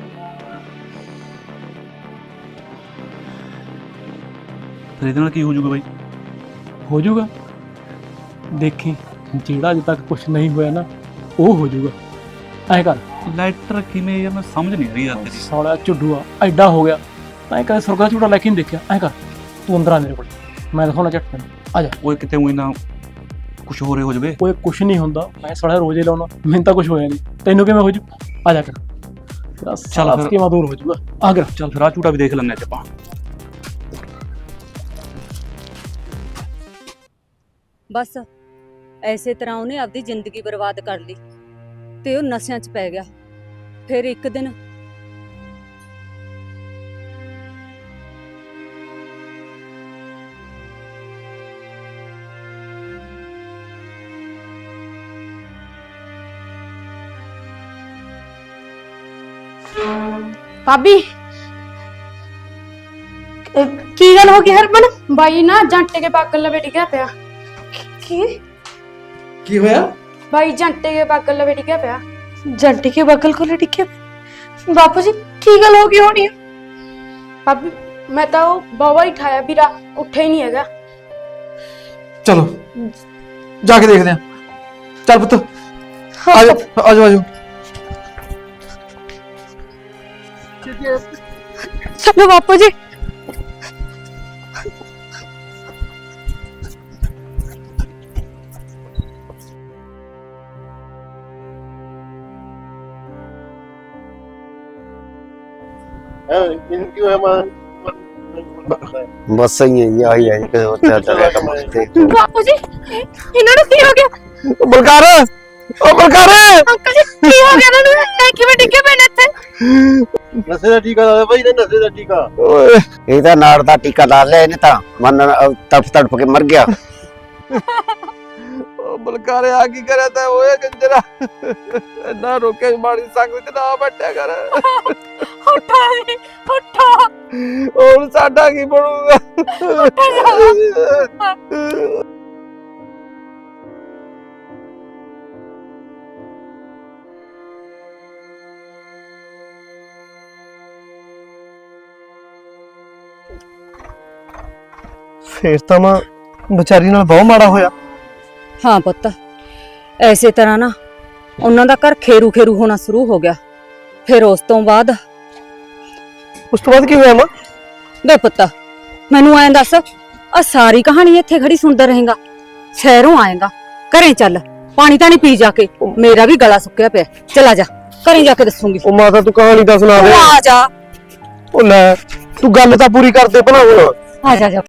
[SPEAKER 4] ਫਿਰ ਇਹਦੇ ਨਾਲ ਕੀ ਹੋ ਜਾਊਗਾ ਬਾਈ?
[SPEAKER 7] ਹੋ ਜਾਊਗਾ, ਦੇਖੀ ਜਿਹੜਾ ਅਜੇ ਤੱਕ ਕੁਝ ਨਹੀਂ ਹੋਇਆ ਨਾ, ਉਹ ਹੋ ਜਾਊਗਾ। ਐਂ ਕਰ,
[SPEAKER 4] ਲੈਟਰ ਕਿਵੇਂ ਯਾਰ, ਮੈਂ ਸਮਝ ਨਹੀਂ ਰਹੀ ਯਾਰ ਤੇਰੀ।
[SPEAKER 7] ਸਾਲਾ ਝੁੱਡੂਆ ਐਡਾ ਹੋ ਗਿਆ, ਤਾਂ ਕਦੇ ਸੁਰਗਾ ਝੂਟਾ ਲੈ ਕੇ ਨਹੀਂ ਦੇਖਿਆ। ਐਂ ਕਰ, ਤੂੰ ਅੰਦਰ ਆ ਮੇਰੇ ਕੋਲ, ਮੈਂ ਦਿਖਾਉਣਾ ਝੱਟ ਤੈਨੂੰ, ਆ ਜਾ।
[SPEAKER 4] ਓਏ ਕਿਤੇ ਉਹੀ ਨਾ ਕੁਝ ਹੋਰ ਹੋ ਜਾਵੇ।
[SPEAKER 7] ਕੋਈ ਕੁਛ ਨਹੀਂ ਹੁੰਦਾ, ਮੈਂ ਸਾਲਾ ਰੋਜ਼ੇ ਲਾਉਣਾ, ਮੈਨੂੰ ਤਾਂ ਕੁਝ ਹੋਇਆ ਨਹੀਂ, ਤੈਨੂੰ ਕਿਵੇਂ ਹੋ ਜੂ? ਆ ਜਾ ਕਰ, ਤੇਰਾ ਸਾਲਾ
[SPEAKER 4] ਫਿਰ।
[SPEAKER 7] ਕਿਵੇਂ ਦੂਰ ਹੋ ਜਾਊਗਾ। ਆ ਕਰ,
[SPEAKER 4] ਚੱਲ ਫਿਰ ਆ ਝੂਟਾ ਵੀ ਦੇਖ ਲੈਂਦੇ ਅੱਜ ਆਪਾਂ।
[SPEAKER 2] ਬਸ ਐਸੇ ਤਰ੍ਹਾਂ ਉਹਨੇ ਆਪਦੀ ਜ਼ਿੰਦਗੀ ਬਰਬਾਦ ਕਰ ਲਈ ਤੇ ਉਹ ਨਸ਼ਿਆਂ 'ਚ ਪੈ ਗਿਆ। ਫਿਰ ਇੱਕ ਦਿਨ
[SPEAKER 9] ਭਾਬੀ
[SPEAKER 3] ਅਹ ਕੀ ਗੱਲ ਹੋ ਗਈ ਹਰਮਨ?
[SPEAKER 9] ਬਾਈ ਨਾ ਜੰਟੇ ਕੇ ਪਾਗਲ ਲਵੇ ਡਿੱਗਿਆ ਪਿਆ।
[SPEAKER 3] ਕੀ
[SPEAKER 6] ਕੀ ਹੋਇਆ?
[SPEAKER 9] ਬਾਈ ਜੰਟੇ ਕੇ ਪਾਗਲ ਲਵੇ ਡਿੱਗਿਆ ਪਿਆ।
[SPEAKER 3] ਜੰਟੀ ਕੇ ਬਗਲ ਕੋਲ ਡਿੱਗੇ ਬਾਪੂ ਜੀ, ਕੀ ਗੱਲ ਹੋ ਗਈ ਹੋਣੀ?
[SPEAKER 9] ਭਾਬੀ ਮੈਂ ਤਾਂ ਉਹ ਬਾਵਾ ਹੀ ਠਾਇਆ, ਵੀਰਾ ਉੱਠਿਆ ਹੀ ਨਹੀਂ ਹੈਗਾ।
[SPEAKER 6] ਚਲੋ ਜਾ ਕੇ ਦੇਖਦੇ ਆ। ਚੱਲ ਪੁੱਤ, ਆ ਜਾ ਆ ਜਾ ਆ ਜਾ।
[SPEAKER 3] ਚਲੋ ਬਾਪੂ ਜੀ।
[SPEAKER 1] ਇਹਨੂੰ ਕੀ ਹੋਇਆ ਮਾਂ
[SPEAKER 10] ਬਸ ਸਹੀ ਹੈ ਜੀ ਆਹੀ ਹੈ ਜੀ ਕਿ ਉੱਥੇ ਚੱਲਿਆ ਕੰਮ ਤੇ
[SPEAKER 8] ਬਾਪੂ ਜੀ ਇਹਨਾਂ ਨੂੰ ਕੀ ਹੋ ਗਿਆ?
[SPEAKER 1] ਬਲਕਾਰ ਓ ਬਲਕਾਰ
[SPEAKER 8] ਅੰਕਲ ਜੀ ਕੀ ਹੋ ਗਿਆ ਇਹਨਾਂ ਨੂੰ? ਇਹ ਕਿਵੇਂ ਡਿੱਗੇ ਪਏ ਨੇ ਇੱਥੇ?
[SPEAKER 1] ਨਸ਼ੇ ਦਾ ਟੀਕਾ ਲਾ ਭਾਈ ਨੇ ਨਸ਼ੇ ਦਾ ਟੀਕਾ
[SPEAKER 10] ਓਏ ਇਹ ਤਾਂ ਨਾੜ ਦਾ ਟੀਕਾ ਲਾ ਲਿਆ ਇਹਨੇ ਤਾਂ ਮਨ ਤੜਫ ਤੜਫ ਕੇ ਮਰ ਗਿਆ
[SPEAKER 6] ਉਹ ਬਲਕਾਰੇ ਆ ਕੀ ਕਰਿਆ ਤੈਂ ਓਏ ਕੰਜਰਾ ਨਾ ਰੋਕੇ ਮਾੜੀ ਸੰਗ ਵਿੱਚ ਨਾ ਬੈਠਿਆ ਕਰ
[SPEAKER 8] ਉੱਠੋ ਜੀ ਉੱਠੋ
[SPEAKER 6] ਹੁਣ ਸਾਡਾ ਕੀ ਬਣੂਗਾ
[SPEAKER 1] ਫੇਰ ਤਾਂ ਮਾਂ ਵਿਚਾਰੀ ਨਾਲ ਬਹੁਤ ਮਾੜਾ ਹੋਇਆ।
[SPEAKER 2] ਹਾਂ ਪੁੱਤ, ਐਸੇ ਤਰ੍ਹਾਂ ਨਾ ਉਹਨਾਂ ਦਾ ਘਰ ਖੇਰੂ ਖੇਰੂ ਹੋਣਾ ਸ਼ੁਰੂ ਹੋ ਗਿਆ। ਫਿਰ ਉਸ ਤੋਂ ਬਾਅਦ
[SPEAKER 1] ਉਸ ਤੋਂ ਬਾਅਦ ਕੀ ਹੋਇਆ ਮਾਂ?
[SPEAKER 2] ਵੇ ਪੁੱਤ ਮੈਨੂੰ ਐਂ ਦੱਸ, ਆ ਸਾਰੀ ਕਹਾਣੀ ਇੱਥੇ ਖੜੀ ਸੁਣਦਾ ਰਹੇਗਾ? ਸ਼ਹਿਰੋਂ ਆਏਗਾ, ਘਰੇ ਚੱਲ, ਪਾਣੀ ਤਾਂ ਨਹੀਂ ਪੀ ਜਾ ਕੇ, ਮੇਰਾ ਵੀ ਗਲਾ ਸੁੱਕਿਆ ਪਿਆ। ਚਲਾ ਜਾ, ਘਰੇ ਜਾ ਕੇ ਦੱਸੂਗੀ।
[SPEAKER 1] ਉਹ ਮਾਤਾ ਤੂੰ ਕਹਾਣੀ ਤਾਂ ਸੁਣਾ ਦੇ।
[SPEAKER 2] ਆ ਜਾ
[SPEAKER 1] ਉਹ ਲੈ ਤੂੰ ਗੱਲ ਤਾਂ ਪੂਰੀ ਕਰਦੇ ਭਲਾ ਹੁਣ।
[SPEAKER 2] ਆ ਜਾ ਜਾ